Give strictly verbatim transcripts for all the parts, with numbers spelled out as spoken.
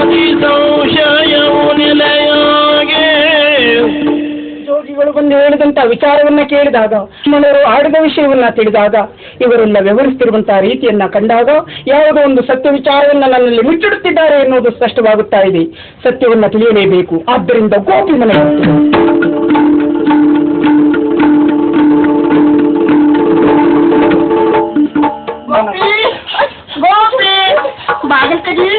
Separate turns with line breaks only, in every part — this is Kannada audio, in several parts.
ಸಂಶಯವು ನೆಲೆಯಾಗೆ.
ಜೋಗಿಗಳು ಬಂದು ಹೇಳಿದಂತ ವಿಚಾರವನ್ನ ಕೇಳಿದಾಗ, ಮನರು ಆಡಿದ ವಿಷಯವನ್ನ ತಿಳಿದಾಗ, ಇವರೆಲ್ಲ ವ್ಯವಹರಿಸುತ್ತಿರುವಂತಹ ರೀತಿಯನ್ನ ಕಂಡಾಗ ಯಾವುದೋ ಒಂದು ಸತ್ಯ ವಿಚಾರವನ್ನ ನನ್ನಲ್ಲಿ ಮುಚ್ಚಿಡುತ್ತಿದ್ದಾರೆ ಎನ್ನುವುದು ಸ್ಪಷ್ಟವಾಗುತ್ತಾ ಇದೆ. ಸತ್ಯವನ್ನ ತಿಳಿಯಲೇಬೇಕು. ಆದ್ದರಿಂದ ಗೋಪಿ ಮನೆ
ಬಾಗಿಲು ಕಡಿ.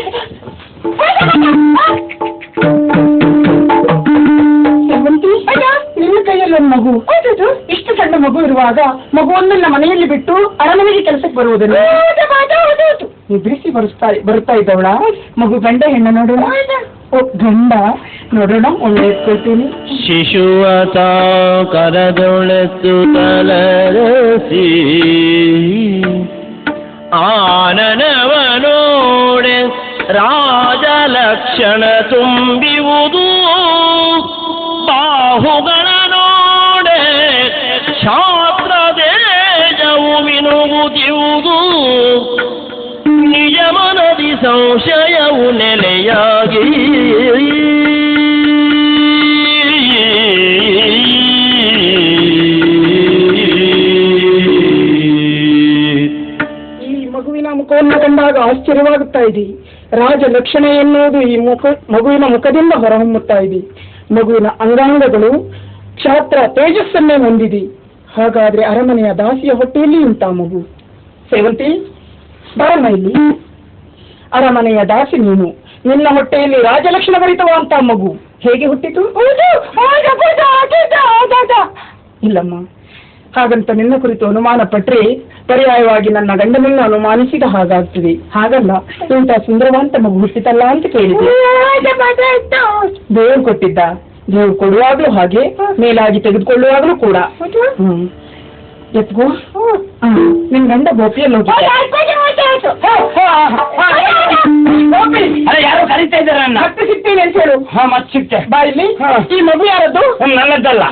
ನಿನ್ನ ಕೈಯಲ್ಲಿ ಒಂದು ಮಗು, ಇಷ್ಟು ಸಣ್ಣ ಮಗು ಇರುವಾಗ ಮಗುವನ್ನೆಲ್ಲ ಮನೆಯಲ್ಲಿ ಬಿಟ್ಟು ಅರಮನೆಗೆ ಕೆಲಸಕ್ಕೆ ಬರುವುದನ್ನು ಎದುರಿಸಿ ಬರುತ್ತಾ ಬರುತ್ತಾ ಇದ್ದವಳ. ಮಗು ಗಂಡ ಹೆಣ್ಣ ನೋಡೋಣ. ಓ ಗಂಡ ನೋಡೋಣ, ಒಳ್ಳೆ ಎತ್ಕೊಳ್ತೀನಿ.
ಶಿಶುವತ ಕರದೊಳೆತು ತಲರಸಿ ಆನನವನೋಡೆ ರಾಜಲಕ್ಷಣ ತುಂಬಿವುದು. ಬಾಹುಗಳ ನೋಡೆ ಶಾಸ್ತ್ರ ದೇಜವು ಮಿನುಗುತ್ತಿರುವುದು. ನಿಜ ಮನದಿ ಸಂಶಯವು ನೆಲೆಯಾಗಿ.
ಮುಖವನ್ನು ಕಂಡಾಗ ಆಶ್ಚರ್ಯವಾಗುತ್ತಾ ಇದೆ. ರಾಜ ಲಕ್ಷಣ ಎನ್ನುವುದು ಈ ಮುಖ ಮಗುವಿನ ಮುಖದಿಂದ ಹೊರಹೊಮ್ಮುತ್ತಾ ಇದೆ. ಮಗುವಿನ ಅಂಗಾಂಗಗಳು ಕ್ಷಾತ್ರ ತೇಜಸ್ಸನ್ನೇ ಹೊಂದಿದೆ. ಹಾಗಾದ್ರೆ ಅರಮನೆಯ ದಾಸಿಯ ಹೊಟ್ಟೆಯಲ್ಲಿ ಉಂಟಾ ಮಗು? ಸೇವಂತಿ, ಬರಮ್ಮ ಇಲ್ಲಿ. ಅರಮನೆಯ ದಾಸಿ ನೀನು, ನಿನ್ನ ಹೊಟ್ಟೆಯಲ್ಲಿ ರಾಜಲಕ್ಷಣ ಭರಿತವಂತ ಮಗು ಹೇಗೆ ಹುಟ್ಟಿತು? ಇಲ್ಲಮ್ಮ, ಹಾಗಂತ ನಿನ್ನ ಕುರಿತು ಅನುಮಾನ ಪಟ್ರೆ ಪರ್ಯಾಯವಾಗಿ ನನ್ನ ಗಂಡನನ್ನು ಅನುಮಾನಿಸಿದ ಹಾಗಾಗ್ತದೆ. ಹಾಗಲ್ಲ, ಇಂಥ ಸುಂದರವಂತ ಮಗು ಹುಟ್ಟಿತಲ್ಲ ಅಂತ ಕೇಳಿದೆ. ದೇವ್ರು ಕೊಟ್ಟಿದ್ದ. ದೇವ್ರು ಕೊಡುವಾಗ್ಲೂ ಹಾಗೆ, ಮೇಲಾಗಿ ತೆಗೆದುಕೊಳ್ಳುವಾಗ್ಲೂ ಕೂಡ. ಹ್ಮ್ ಎತ್ಗೋ. ನಿನ್ ಗಂಡ ಗೋಪಿಯಲ್ಲಿ ಹೋಗಿ
ಯಾರೋ ಕರೀತಾ ಇದ್ದಾರೆ.
ಮತ್ತೆ ಸಿಗ್ತೀನಿ ಅಂತ ಹೇಳು.
ಹಾ, ಮತ್ತೆ ಸಿಗ್ತೆ.
ಬಾ ಇಲ್ಲಿ. ಈ ಮಗು ಯಾರದ್ದು?
ನನ್ನದ್ದಲ್ಲ.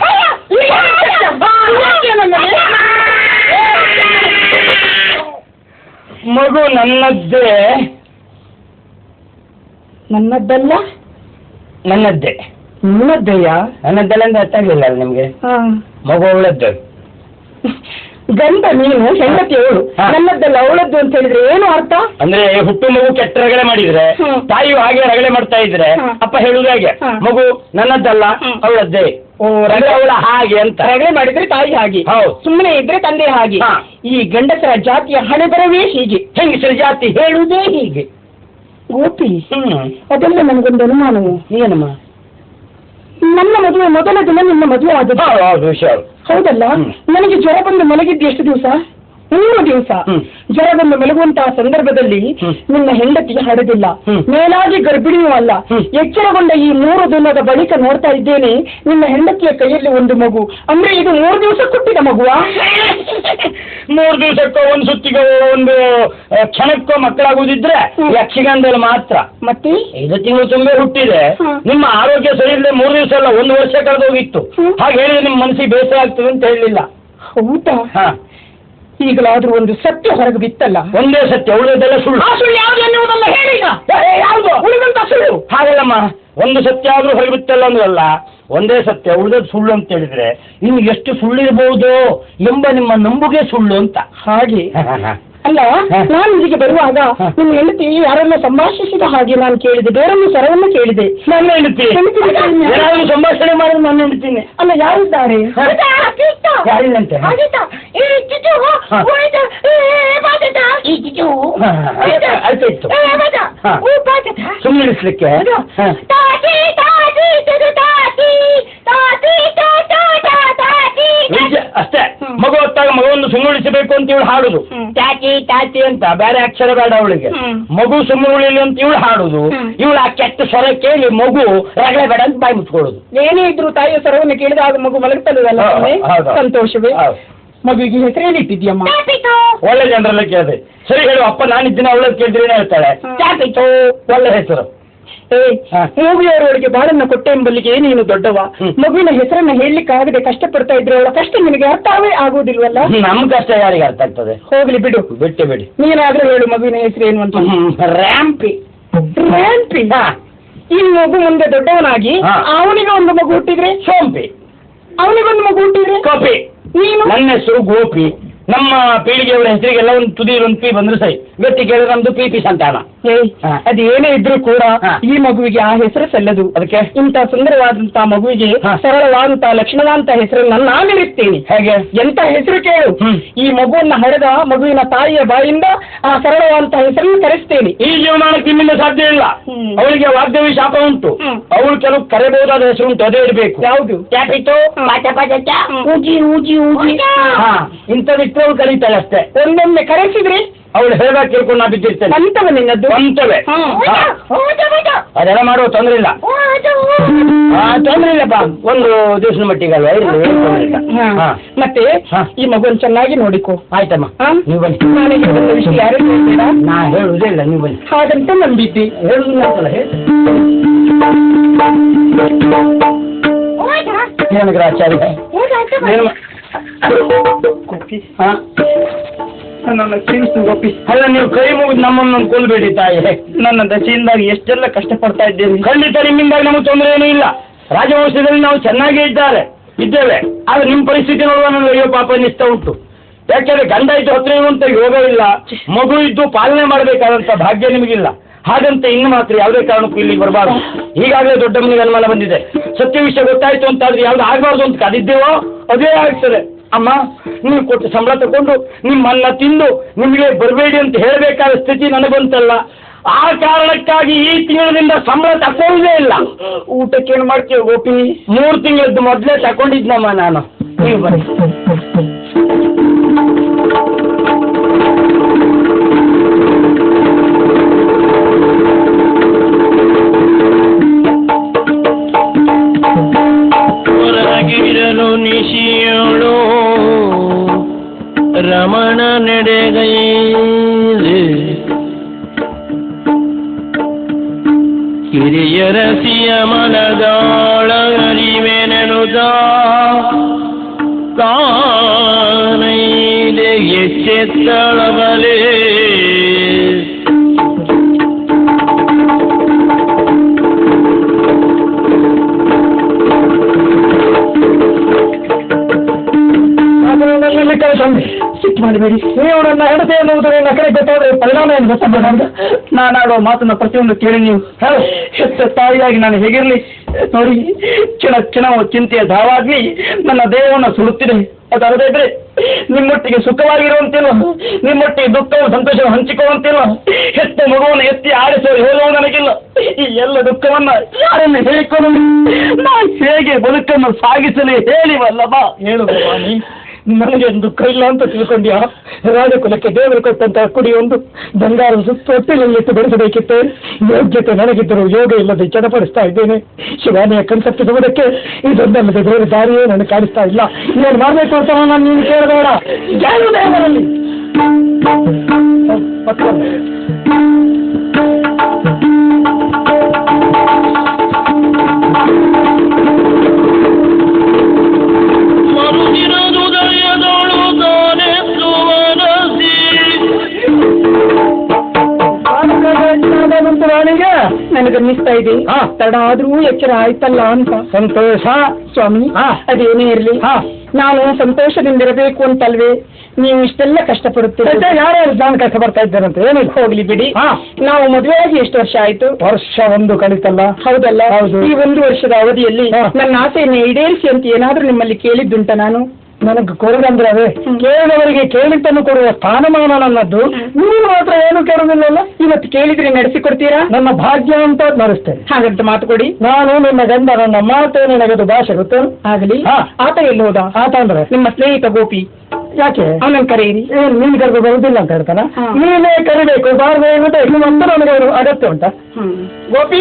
ಮಗು ನನ್ನದ್ದೇ.
ನನ್ನದ್ದಲ್ಲ?
ನನ್ನದ್ದೇ.
ನಿನ್ನದ್ದೆಯಾ?
ನನ್ನದ್ದಲ್ಲ ಅಂದ್ರೆ ಅರ್ಥ ಆಗಲಿಲ್ಲ ನಿಮ್ಗೆ. ಮಗು ಅವಳದ್ದು.
ಗಂಡ ನೀನು, ಹೆಂಡತಿ ಅವಳು. ನನ್ನದ್ದಲ್ಲ ಅವಳದ್ದು ಅಂತ ಹೇಳಿದ್ರೆ ಏನು ಅರ್ಥ?
ಅಂದ್ರೆ ಹುಟ್ಟು ಮಗು ಕೆಟ್ಟ ರಗಳೆ ಮಾಡಿದ್ರೆ, ತಾಯಿಯು ಹಾಗೆ ರಗಳೆ ಮಾಡ್ತಾ ಇದ್ರೆ ಅಪ್ಪ ಹೇಳುದು ಹಾಗೆ, ಮಗು ನನ್ನದ್ದಲ್ಲ ಅವಳದ್ದೇ.
ಓ,
ಅವಳ ಹಾಗೆ ಅಂತ.
ರಗಳೆ ಮಾಡಿದ್ರೆ ತಾಯಿ ಹಾಗೆ,
ಹೌದು.
ಸುಮ್ಮನೆ ಇದ್ರೆ ತಂದೆ ಹಾಗೆ. ಈ ಗಂಡಸರ ಜಾತಿಯ ಹಣೆ ಬರವೇ ಹೀಗೆ.
ಹೆಂಗಸರ ಜಾತಿ ಹೇಳುವುದೇ ಹೀಗೆ.
ಗೋಪಿ,
ಹ್ಮ್
ಅದೆಲ್ಲ ನನಗೊಂದು ಅನುಮಾನವು.
ಏನಮ್ಮ?
ನನ್ನ ಮದುವೆ ಮೊದಲ ದಿನ ನಿನ್ನ ಮದುವೆ ಆದದ್ದು.
ಹೌದು, ವಿಷಯ
ಹೌದಲ್ಲ. ನನಗೆ ಜ್ವರ ಬಂದು ಮಲಗಿದ್ದು ಎಷ್ಟು ದಿವಸ? ಮೂರು ದಿವಸ. ಜ್ವರ ಬಂದು ಮಲಗುವಂತಹ ಸಂದರ್ಭದಲ್ಲಿ ನಿನ್ನ ಹೆಂಡತಿ ಹಡದಿಲ್ಲ, ಮೇಲಾಗಿ ಗರ್ಭಿಣಿಯೂ ಅಲ್ಲ. ಎಚ್ಚರಗೊಂಡ ಈ ಮೂರು ದಿನದ ಬಳಿಕ ನೋಡ್ತಾ ಇದ್ದೇನೆ ನಿನ್ನ ಹೆಂಡತಿಯ ಕೈಯಲ್ಲಿ ಒಂದು ಮಗು. ಅಂದ್ರೆ ಇದು ಮೂರು ದಿವಸ ಕೊಟ್ಟಿದ ಮಗುವಾ?
ಮೂರು ದಿವಸಕ್ಕೋ ಒಂದು ಸುತ್ತಿಗೋ ಒಂದು ಕ್ಷಣಕ್ಕೋ ಮಕ್ಕಳಾಗುದಿದ್ರೆ ಯಕ್ಷಗಾನದಲ್ಲಿ ಮಾತ್ರ.
ಮತ್ತೆ
ಐದು ತಿಂಗಳು ತುಂಬೆ ಹುಟ್ಟಿದೆ. ನಿಮ್ಮ ಆರೋಗ್ಯ ಸರಿ ಇಲ್ಲದೆ ಮೂರು ದಿವಸ ಅಲ್ಲ, ಒಂದು ವರ್ಷ ಕಳೆದು ಹೋಗಿತ್ತು. ಹಾಗೆ ಹೇಳಿದ್ರೆ ನಿಮ್ಮ ಮನಸ್ಸಿಗೆ ಬೇಸರ ಆಗ್ತದೆ ಅಂತ ಹೇಳಲಿಲ್ಲ.
ಹೌದಾ?
ಹಾ,
ಈಗಲಾದ್ರೂ ಒಂದು ಸತ್ಯ ಹೊರಗೆ ಬಿತ್ತಲ್ಲ.
ಒಂದೇ ಸತ್ಯ, ಉಳಿದೆಲ್ಲ ಸುಳ್ಳು.
ಆ ಸುಳ್ಳು ಯಾವುದು ಎನ್ನುವುದಲ್ಲ ಹೇಳಿ. ಯಾವುದು ಉಳಿದಂತ ಸುಳ್ಳು?
ಹಾಗಲ್ಲಮ್ಮ, ಒಂದು ಸತ್ಯ ಆದ್ರೂ ಹೊರಗೆ ಬಿತ್ತಲ್ಲ ಅಂದ್ರಲ್ಲ, ಒಂದೇ ಸತ್ಯ ಉಳಿದದ್ದು ಸುಳ್ಳು ಅಂತ ಹೇಳಿದ್ರೆ ಇನ್ನು ಎಷ್ಟು ಸುಳ್ಳಿರ್ಬಹುದು ಎಂಬ ನಿಮ್ಮ ನಂಬುಗೆ ಸುಳ್ಳು ಅಂತ.
ಹಾಗೆ ಅಲ್ಲ, ನಾನು ಇಲ್ಲಿಗೆ ಬರುವಾಗ ನಿಮ್ಮ ಹೆಂಡತಿ ಯಾರನ್ನ ಸಂಭಾಷಿಸಿದ ಹಾಗೆ ನಾನು ಕೇಳಿದೆ. ಬೇರೊಂದು ಸ್ವರವನ್ನು ಕೇಳಿದೆ.
ನನ್ನ ಹೆಂಡತಿ ಯಾರಾದ್ರೂ ಸಂಭಾಷಣೆ ಮಾಡಿದ್ರೆ ನಾನು ಹೆಂಡತೀನಿ.
ಅಲ್ಲ, ಯಾರಿದ್ದಾರೆ?
ಯಾರಿಲ್ಲಂತೆ. ಆಯ್ತಾಯ್ತು, ಸುಮ್ಮನೆ ಇಳಿಸ್ಲಿಕ್ಕೆ. ಅಷ್ಟೇ, ಮಗು ಹೊತ್ತಾಗ ಮಗುವನ್ನು ಸುಮ್ಮುಳಿಸಬೇಕು ಅಂತ ಇವಳು ಹಾಡುದು. ಟ್ಯಾಕಿ ಟ್ಯಾಕಿ ಅಂತ ಬೇರೆ ಅಕ್ಷರ ಬೇಡ ಅವಳಿಗೆ. ಮಗು ಸುಮ್ಮನೆ ಉಳಿಲಿ ಅಂತ ಇವಳು ಹಾಡುದು. ಇವಳು ಆ ಕೆಟ್ಟ ಸ್ವರ ಕೇಳಿ ಮಗು ರಗಳೆ ಬೇಡ ಅಂತ ಬಾಯಿ ಮುಚ್ಕೊಳ್ಳೋದು.
ಏನೇ ಇದ್ರು ತಾಯಿಯ ಸ್ವರವನ್ನು ಕೇಳಿದಾಗ ಮಗು ಮಲಗ್ತದಲ್ಲ. ಸಂತೋಷವೇ. ಮಗುವಿಗೆ ಹೆಸರೇನು ಇಟ್ಟಿದ್ಯಮ್ಮ?
ಒಳ್ಳೆ ಜನರೆಲ್ಲ ಕೇಳಿದೆ. ಸರಿ ಹೇಳು ಅಪ್ಪ, ನಾನಿದ್ದೀನಿ ಅವಳದ್ದು ಕೇಳಿದ್ರೆ ಹೇಳ್ತಾಳೆ. ಒಳ್ಳೆ ಹೆಸರು.
ಏ, ಮೂವಿಯವರೊಳಗೆ ಬಾಳನ್ನ ಕೊಟ್ಟೆ ಎಂಬಲ್ಲಿಗೆ ನೀನು ದೊಡ್ಡವ. ಮಗುವಿನ ಹೆಸರನ್ನ ಹೇಳಲಿಕ್ಕಾಗದೆ ಕಷ್ಟಪಡ್ತಾ ಇದ್ರೆ ಅವಳ ಕಷ್ಟ ನಿನಗೆ ಅರ್ಥವೇ ಆಗುವುದಿಲ್ವಲ್ಲ?
ನಮ್ ಕಷ್ಟ ಯಾರಿಗೆ ಅರ್ಥ ಆಗ್ತದೆ?
ಹೋಗ್ಲಿ ಬಿಡು,
ಬಿಟ್ಟು ಬಿಡಿ.
ನೀನಾದ್ರೂ ಹೇಳು ಮಗುವಿನ ಹೆಸರು ಏನು ಅಂತ.
ರ್ಯಾಂಪಿ.
ರ್ಯಾಂಪಿ? ಈ ಮಗು ಮುಂದೆ ದೊಡ್ಡವನಾಗಿ
ಹಾ.
ಅವನಿಗೆ ಒಂದು ಮಗು ಹುಟ್ಟಿದ್ರೆ,
ಸೋಂಪಿ,
ಅವನಿಗೊಂದು ಮಗು ಹುಟ್ಟಿದ್ರೆ
ಕಪಿ.
ನೀನು
ನನ್ನ ಹೆಸರು ಗೋಪಿ. ನಮ್ಮ ಪೀಳಿಗೆಯವರ ಹೆಸರಿಗೆಲ್ಲ ಒಂದು ತುದಿಯಲ್ಲಿ ಒಂದು ಪಿ ಬಂದ್ರೆ ಸೈ, ಗಟ್ಟಿ ಕೇಳಿದ್ರೆ ನಮ್ದು ಪಿ ಪಿ ಸಂತಾನ.
ಏಯ್,
ಹಾ.
ಅದೇನೇ ಇದ್ರೂ ಕೂಡ
ಹಾ.
ಈ ಮಗುವಿಗೆ ಆ ಹೆಸರು ಸಲ್ಲದು.
ಅದಕ್ಕೆ
ಇಂಥ ಸುಂದರವಾದಂತಹ ಮಗುವಿಗೆ
ಹಾ.
ಸರಳವಾದಂತಹ ಲಕ್ಷಣವಾದಂತಹ ಹೆಸರನ್ನು ನಾನಿರುತ್ತೇನೆ.
ಹೇಗೆ?
ಎಂತ ಹೆಸರು ಕೇಳು.
ಹ್ಮ್.
ಈ ಮಗುವನ್ನ ಹಡೆದ ಮಗುವಿನ ತಾಯಿಯ ಬಾಯಿಂದ ಆ ಸರಳವಾದಂತಹ ಹೆಸರನ್ನು ಕರೆಸ್ತೇನೆ.
ಈ ಜೀವಮಾನಕ್ಕೆ ನಿಮ್ಮಿಂದ ಸಾಧ್ಯ ಇಲ್ಲ.
ಹ್ಮ್.
ಅವಳಿಗೆ ವಾಗ್ದೇವಿ ಶಾಪ ಉಂಟು.
ಹ್ಮ್.
ಅವಳು ಕೆಲವು ಕರೆಬಹುದಾದ ಹೆಸರು ಉಂಟು, ಅದೇ ಇರಬೇಕು.
ಯಾವುದು?
ಕ್ಯಾಪಿಟೋ, ಪಾಚ ಪಾಚ ಚ,
ಊಜಿ ಊಜಿ ಊಜಿ.
ಹಾ, ಇಂಥವಿಟ್ಟು ಅವಳು ಕರೀತಾಳೆ ಅಷ್ಟೇ.
ಒಂದೊಮ್ಮೆ ಕರೆಸಿದ್ರೆ
ಅವಳು ಹೇಳುವಾಗ ಕೇಳ್ಕೊಂಡು ನಾ ಬಿದ್ದಿರ್ತೇನೆ.
ಅಂತವ ನಿನ್ನದ್ದು.
ಅಂತವೇ.
ಹ್ಮ್.
ಹಾ. ಅದೆಲ್ಲ ಮಾಡುವ ತೊಂದ್ರೆ ಇಲ್ಲ. ಹಾ, ತೊಂದ್ರೆ ಇಲ್ಲಪ್ಪ, ಒಂದು ದಿವಸದ ಮಟ್ಟಿಗೆ ಅಲ್ವಾ, ಇರ್ಲಿ, ಏನ್ ತೊಂದ್ರೆ ಇಲ್ಲ.
ಹಾ.
ಹಾ.
ಮತ್ತೆ
ಹಾ.
ಈ ಮಗುವನ್ನು ಚೆನ್ನಾಗಿ ನೋಡಿಕೋ.
ಆಯ್ತಮ್ಮ,
ಹಾ?
ನೀವು ಬನ್ನಿ.
ನನಗೆ ಒಂದು ವಿಷಯ ಯಾರು ಹೇಳ್ತೀರಾ?
ನಾ ಹೇಳುವುದೇ ಇಲ್ಲ, ನೀವು ಬನ್ನಿ.
ಹಾಗಂತ ನಂಬಿದ್ದೆ.
ಹೇಳುದಿಲ್ಲ ಅಂತಲ್ಲ, ಹೇಳಿ. ಏನಂದ್ರೆ ಆಚಾರ್ಯ ಏನು ಮಾ- ಹಾ?
ನನ್ನ ಕ್ಷಮಿಸು ಗೋಪಿ.
ಅಲ್ಲ, ನೀವು ಕೈ ಮುಗಿದು ನಮ್ಮನ್ನು ಕೊಲ್ಬೇಡಿ ತಾಯಿ.
ನನ್ನ ದಶೆಯಿಂದಾಗಿ ಎಷ್ಟೆಲ್ಲ ಕಷ್ಟಪಡ್ತಾ ಇದ್ದೇನೆ.
ಖಂಡಿತ ನಿಮ್ಮಿಂದಾಗಿ ನಮಗೆ ತೊಂದರೆ ಏನೂ ಇಲ್ಲ. ರಾಜವಂಶದಲ್ಲಿ ನಾವು ಚೆನ್ನಾಗೇ ಇದ್ದಾರೆ ಇದ್ದೇವೆ. ಆದ್ರೆ ನಿಮ್ಮ ಪರಿಸ್ಥಿತಿ ನೋಡುವ ನನಗೆ ಅಯ್ಯೋ ಪಾಪ ಅನ್ನಿಸ್ತಾ ಉಂಟು. ಯಾಕೆಂದ್ರೆ ಗಂಡ ಇದ್ದು ಹತ್ರ ಇರುವಂತ ಯೋಗ ಇಲ್ಲ, ಮಗು ಇದ್ದು ಪಾಲನೆ ಮಾಡಬೇಕಾದಂತ ಭಾಗ್ಯ ನಿಮಗಿಲ್ಲ. ಹಾಗಂತ ಇನ್ನು ಮಾತ್ರ ಯಾವುದೇ ಕಾರಣಕ್ಕೂ ಇಲ್ಲಿಗೆ ಬರಬಾರ್ದು. ಈಗಾಗಲೇ ದೊಡ್ಡ ಮನೆಗೆ ಅನುಮಾನ ಬಂದಿದೆ. ಸತ್ಯ ವಿಷಯ ಗೊತ್ತಾಯ್ತು ಅಂತಾದ್ರೆ ಯಾವ್ದು ಆಗಬಾರ್ದು ಅಂತ ಕಾದಿದ್ದೇವೋ ಅದೇ ಆಗ್ತದೆ. ಅಮ್ಮ, ನೀವು ಕೊಟ್ಟು ಸಂಬಳ ತಗೊಂಡು ನಿಮ್ಮನ್ನ ತಿಂದು ನಿಮಗೆ ಬರಬೇಡಿ ಅಂತ ಹೇಳಬೇಕಾದ ಸ್ಥಿತಿ ನನಗಂತಲ್ಲ. ಆ ಕಾರಣಕ್ಕಾಗಿ ಈ ತಿಂಗಳಿನಿಂದ ಸಂಬಳ ತಕೊಳ್ಳೋದೇ ಇಲ್ಲ.
ಊಟಕ್ಕೆ ಏನು ಮಾಡ್ತೀವಿ ಗೋಪಿ?
ಮೂರು ತಿಂಗಳದ್ದು ಮೊದಲೇ ತಗೊಂಡಿದ್ನಮ್ಮ ನಾನು. ನೀವು ಬನ್ನಿ.
ಹೊರಗಿರಲು ನಿಶಿಯೋಳು ರಮಣ ನಡೆಗೈದೆ ಕಿರಿಯರಸಿಯ ಮನದಾಳ ಅರಿವೆನೆನುದ ಕಾನೈದೆ ಎಚ್ಚೆತ್ತಳಬಲೇ
ಸಿಟ್ಟು ಮಾಡಬೇಡಿ. ನೀವು ನನ್ನ ಹೆಂಡತಿ ಎನ್ನುವುದು ನನ್ನ ಕಡೆ ಗೊತ್ತಾದ್ರೆ ಪರಿಣಾಮ ಏನು ಗೊತ್ತಾಗ ನಾನಾಡುವ ಮಾತನ್ನ ಪ್ರತಿಯೊಂದು ಕೇಳಿ ನೀವು ಹೆತ್ತ ತಾಯಿಯಾಗಿ ನಾನು ಹೇಗಿರಲಿ ನೋಡಿ. ಕ್ಷಣ ಕ್ಷಣವು ಚಿಂತೆಯ ಧಾವಾಗ್ನಿ ನನ್ನ ದೇಹವನ್ನು ಸುಡುತ್ತಿದೆ. ಅದಲ್ಲದೆ ಇದ್ರೆ ನಿಮ್ಮೊಟ್ಟಿಗೆ ಸುಖವಾಗಿರುವಂತಿಲ್ಲ, ನಿಮ್ಮೊಟ್ಟಿಗೆ ದುಃಖವು ಸಂತೋಷವನ್ನು ಹಂಚಿಕೊಳ್ಳುವಂತಿಲ್ಲ. ಹೆತ್ತ ಮಗುವನ್ನು ಎತ್ತಿ ಆಡಿಸುವ ಹೇಳುವ ನನಗಿಲ್ಲ. ಈ ಎಲ್ಲ ದುಃಖವನ್ನ ಯಾರನ್ನು ಹೇಳಿಕೊಂಡು ನಾ ಹೇಗೆ ಬದುಕನ್ನು ಸಾಗಿಸಲಿ ಹೇಳಿವಲ್ಲಮ್ಮ. ಹೇಳುವ ನೀ ನನಗೆ ದುಃಖ ಇಲ್ಲ ಅಂತ ತಿಳ್ಕೊಂಡ್ಯಾ? ರಾಜಕುಲಕ್ಕೆ ದೇವರು ಕೊಟ್ಟಂತಹ ಕುಡಿ ಒಂದು ಬಂಗಾರ ಸುತ್ತ ಹೊಟ್ಟೆಯಲ್ಲಿಟ್ಟು ಬೆಳೆಸಬೇಕಿತ್ತು. ಯೋಗ್ಯತೆ ನನಗಿದ್ದರೂ ಯೋಗ ಇಲ್ಲದೆ ಚಡಪಡಿಸ್ತಾ ಇದ್ದೇನೆ. ಶಿವಾನಿಯ ಕಣ್ತಪ್ಪಿಸುವುದಕ್ಕೆ ಇದೊಂದಲ್ಲದೆ ಬೇರೆ ದಾರಿಯೇ ನನಗೆ ಕಾಣಿಸ್ತಾ ಇಲ್ಲ. ಇನ್ನೇನು ಮಾಡಬೇಕು ಅಂತ ನಾನು ನೀನು ಕೇಳಬೇಡ. ಯಾರು ದೇವರಲ್ಲಿ ರಾಣಿಗೆ ನನಗನ್ನಿಸ್ತಾ ಇದೆ ತಡ ಆದ್ರೂ ಎಚ್ಚರ ಆಯ್ತಲ್ಲ ಅಂತ. ಸಂತೋಷ ಸ್ವಾಮಿ. ಅದೇನೇ ಇರ್ಲಿ, ನಾನು ಸಂತೋಷದಿಂದಿರಬೇಕು ಅಂತಲ್ವೇ ನೀವು ಇಷ್ಟೆಲ್ಲ ಕಷ್ಟಪಡುತ್ತೀರಿ. ಯಾರ್ಯಾರು ನಾನು ಕಷ್ಟ ಬರ್ತಾ ಇದ್ದೇನಂತ ಏನಿಲ್ಲ, ಹೋಗ್ಲಿ ಬಿಡಿ. ನಾವು ಮದುವೆಯಾಗಿ ಎಷ್ಟು ವರ್ಷ ಆಯ್ತು? ವರ್ಷ ಒಂದು ಕಳಿತಲ್ಲ. ಹೌದಲ್ಲ? ಹೌದು. ಈ ಒಂದು ವರ್ಷದ ಅವಧಿಯಲ್ಲಿ ನನ್ನ ಆಸೆಯನ್ನು ಈಡೇರಿಸಿ ಅಂತ ಏನಾದ್ರೂ ನಿಮ್ಮಲ್ಲಿ ಕೇಳಿದ್ದುಂಟ ನಾನು? ನನಗೆ ಕೊಡದಂದ್ರೆ ಅದೇ ಕೇಳಿದವರಿಗೆ ಕೇಳಿದ್ದನ್ನು ಕೊಡುವ ಸ್ಥಾನಮಾನ ನನ್ನದ್ದು. ನೀವು ಮಾತ್ರ ಏನು ಕೇಳುವುದಿಲ್ಲಲ್ಲ. ಇವತ್ತು ಕೇಳಿದ್ರೆ ನಡೆಸಿಕೊಡ್ತೀರಾ? ನನ್ನ ಭಾಗ್ಯ ಅಂತ ನಡೆಸ್ತೇನೆ. ಹಾಗಂತ ಮಾತು ಕೊಡಿ. ನಾನು ನಿಮ್ಮ ಗಂಡ, ನನ್ನ ಮಾತು ನಿನಗದು ಭಾಷೆ ಗೊತ್ತು. ಆಗಲಿ. ಆತ ಎಲ್ಲಿ ಹೋದ? ಆತ ಅಂದ್ರೆ ನಿಮ್ಮ ಸ್ನೇಹಿತ ಗೋಪಿ. ಯಾಕೆ ಅವನನ್ನು ಕರೆಯಿರಿ. ಏನು ನೀನು ಕರೆದು ಬರುವುದಿಲ್ಲ ಅಂತ ಹೇಳ್ತಾನ? ನೀನೇ ಕರಿಬೇಕು. ಬಾರದೆ ಮತ್ತೆ ನಿಮ್ಮಂತ ನನಗೆ ಅವರು ಅಗತ್ಯ ಉಂಟಾ? ಗೋಪಿ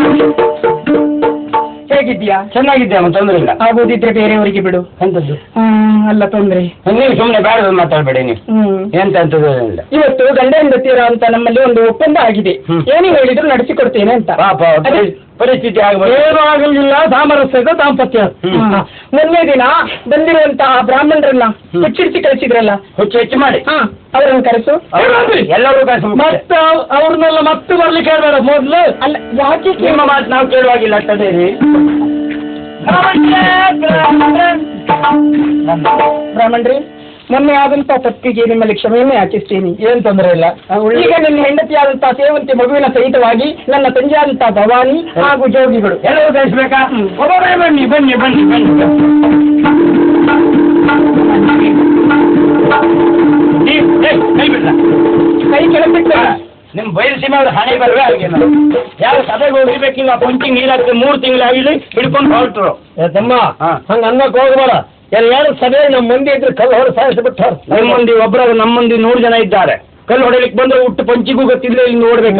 ಹೇಗಿದ್ಯಾ?
ಚೆನ್ನಾಗಿದ್ದೆ ಅಮ್ಮ, ತೊಂದರೆ ಇಲ್ಲ.
ಆಗೋದಿದ್ರೆ ಬೇರೆಯವರಿಗೆ ಬಿಡು.
ಎಂತದ್ದು?
ಅಲ್ಲ ತೊಂದ್ರೆ.
ನೀವು ಸುಮ್ಮನೆ ಬೇಡ ಮಾತಾಡಬೇಡಿ ನೀವು. ಎಂತ ಅಂತದ್ದು ಇಲ್ಲ.
ಇವತ್ತು ಗಂಡ ಹೆಂಡತಿಯರ ಅಂತ ನಮ್ಮಲ್ಲಿ ಒಂದು ಒಪ್ಪಂದ ಆಗಿದೆ. ಏನು ಹೇಳಿದ್ರು ನಡೆಸಿಕೊಡ್ತೇನೆ ಅಂತ.
ಪಾಪ ಪರಿಸ್ಥಿತಿ ಆಗಬಹುದು.
ಏನೂ ಆಗಲಿಲ್ಲ, ಸಾಮರಸ್ಯದ ದಾಂಪತ್ಯ.
ಹಾ. ಮೊನ್ನೆ ದಿನ ಬಂದಿರುವಂತಹ ಬ್ರಾಹ್ಮಣರನ್ನ ಹುಚ್ಚಿಡಿಸಿ ಕಳಿಸಿದ್ರಲ್ಲ,
ಹುಚ್ಚು ಹೆಚ್ಚು ಮಾಡಿ
ಹಾ ಅವರನ್ನು ಕರೆಸು.
ಎಲ್ಲರೂ ಕಳಿಸ.
ಮತ್ತೆ ಅವ್ರನ್ನೆಲ್ಲ ಮತ್ತೆ ಬರ್ಲಿಕ್ಕೆ ಹೇಳ್ಬೇಡ ಮೊದ್ಲು.
ಅಲ್ಲ ಯಾಕೆ
ನಿಮ್ಮ ಮಾತು ನಾವು ಕೇಳುವಾಗಿಲ್ಲ ಅಟ್ಟದೇರಿ.
ಬ್ರಾಹ್ಮಣ್ರಿ, ಮೊನ್ನೆ ಆದಂತಹ ತಪ್ಪಿಗೆ ನಿಮ್ಮಲ್ಲಿ ಕ್ಷಮೆಯನ್ನು ಯಾಚಿಸ್ತೀನಿ.
ಏನ್ ತೊಂದರೆ ಇಲ್ಲ.
ಈಗ ನನ್ನ ಹೆಂಡತಿಯಾದಂತಹ ಸೇವಂತಿ ಮಗುವಿನ ಸಹಿತವಾಗಿ ನನ್ನ ತಂಜೆಯಾದಂತಹ ಭವಾನಿ ಹಾಗೂ ಜೋಗಿಗಳು
ಎಲ್ಲರೂ ಕಳಿಸ್ಬೇಕಾ? ಒಬ್ಬೊಬ್ಬರೇ ಬನ್ನಿ ಬನ್ನಿ ಬನ್ನಿ ಬನ್ನಿ. ನೀವ್- ಏಯ್, ಕೈ ಬಿಡ್ಲ.
ಕೈ ಕೆಳಬಿಟ್ಟು
ನಿಮ್ ಬಯಲುಸೀಮೆ ಅವ್ರ ಹಣೆ ಬರವೇ ಹಾಗೆ ನಾವು ಯಾರು ಸಭೆಗೆ ಹೋಗ್ಬೇಕಿಲ್ಲ, ಪಂಚಿಂಗ್ ನೀರಾಗ್ತದೆ, ಮೂರು ತಿಂಗಳು ಆಗಿಲ್ಲ ಹಿಡ್ಕೊಂಡು ಹೊರಟ್ರು.
ಏ ತಮ್ಮ,
ಹಾ.
ಹಂಗ ಅನ್ನಕ್ ಹೋಗ್ಬೇಡ. ಎಲ್ಲಾರು ಸಭೆ ನಮ್ಮ ಮಂದಿ ಇದ್ರೆ ಕಲ್ಲು ಹೊಡೆ ಸಾಯಿಸ್ಬಿಟ್ಟಾರ.
ನಿಮ್ಮ ಮಂದಿ ಒಬ್ಬರಾಗ ನಮ್ಮ ಮಂದಿ ನೂರು ಜನ ಇದ್ದಾರೆ. ಕಲ್ಲು ಹೊಡೆಯಲಿಕ್ಕೆ ಬಂದ್ರೆ ಹುಟ್ಟು ಪಂಚಿಗೂ ಗೊತ್ತಿಲ್ಲ, ಇಲ್ಲಿ ನೋಡ್ಬೇಕು.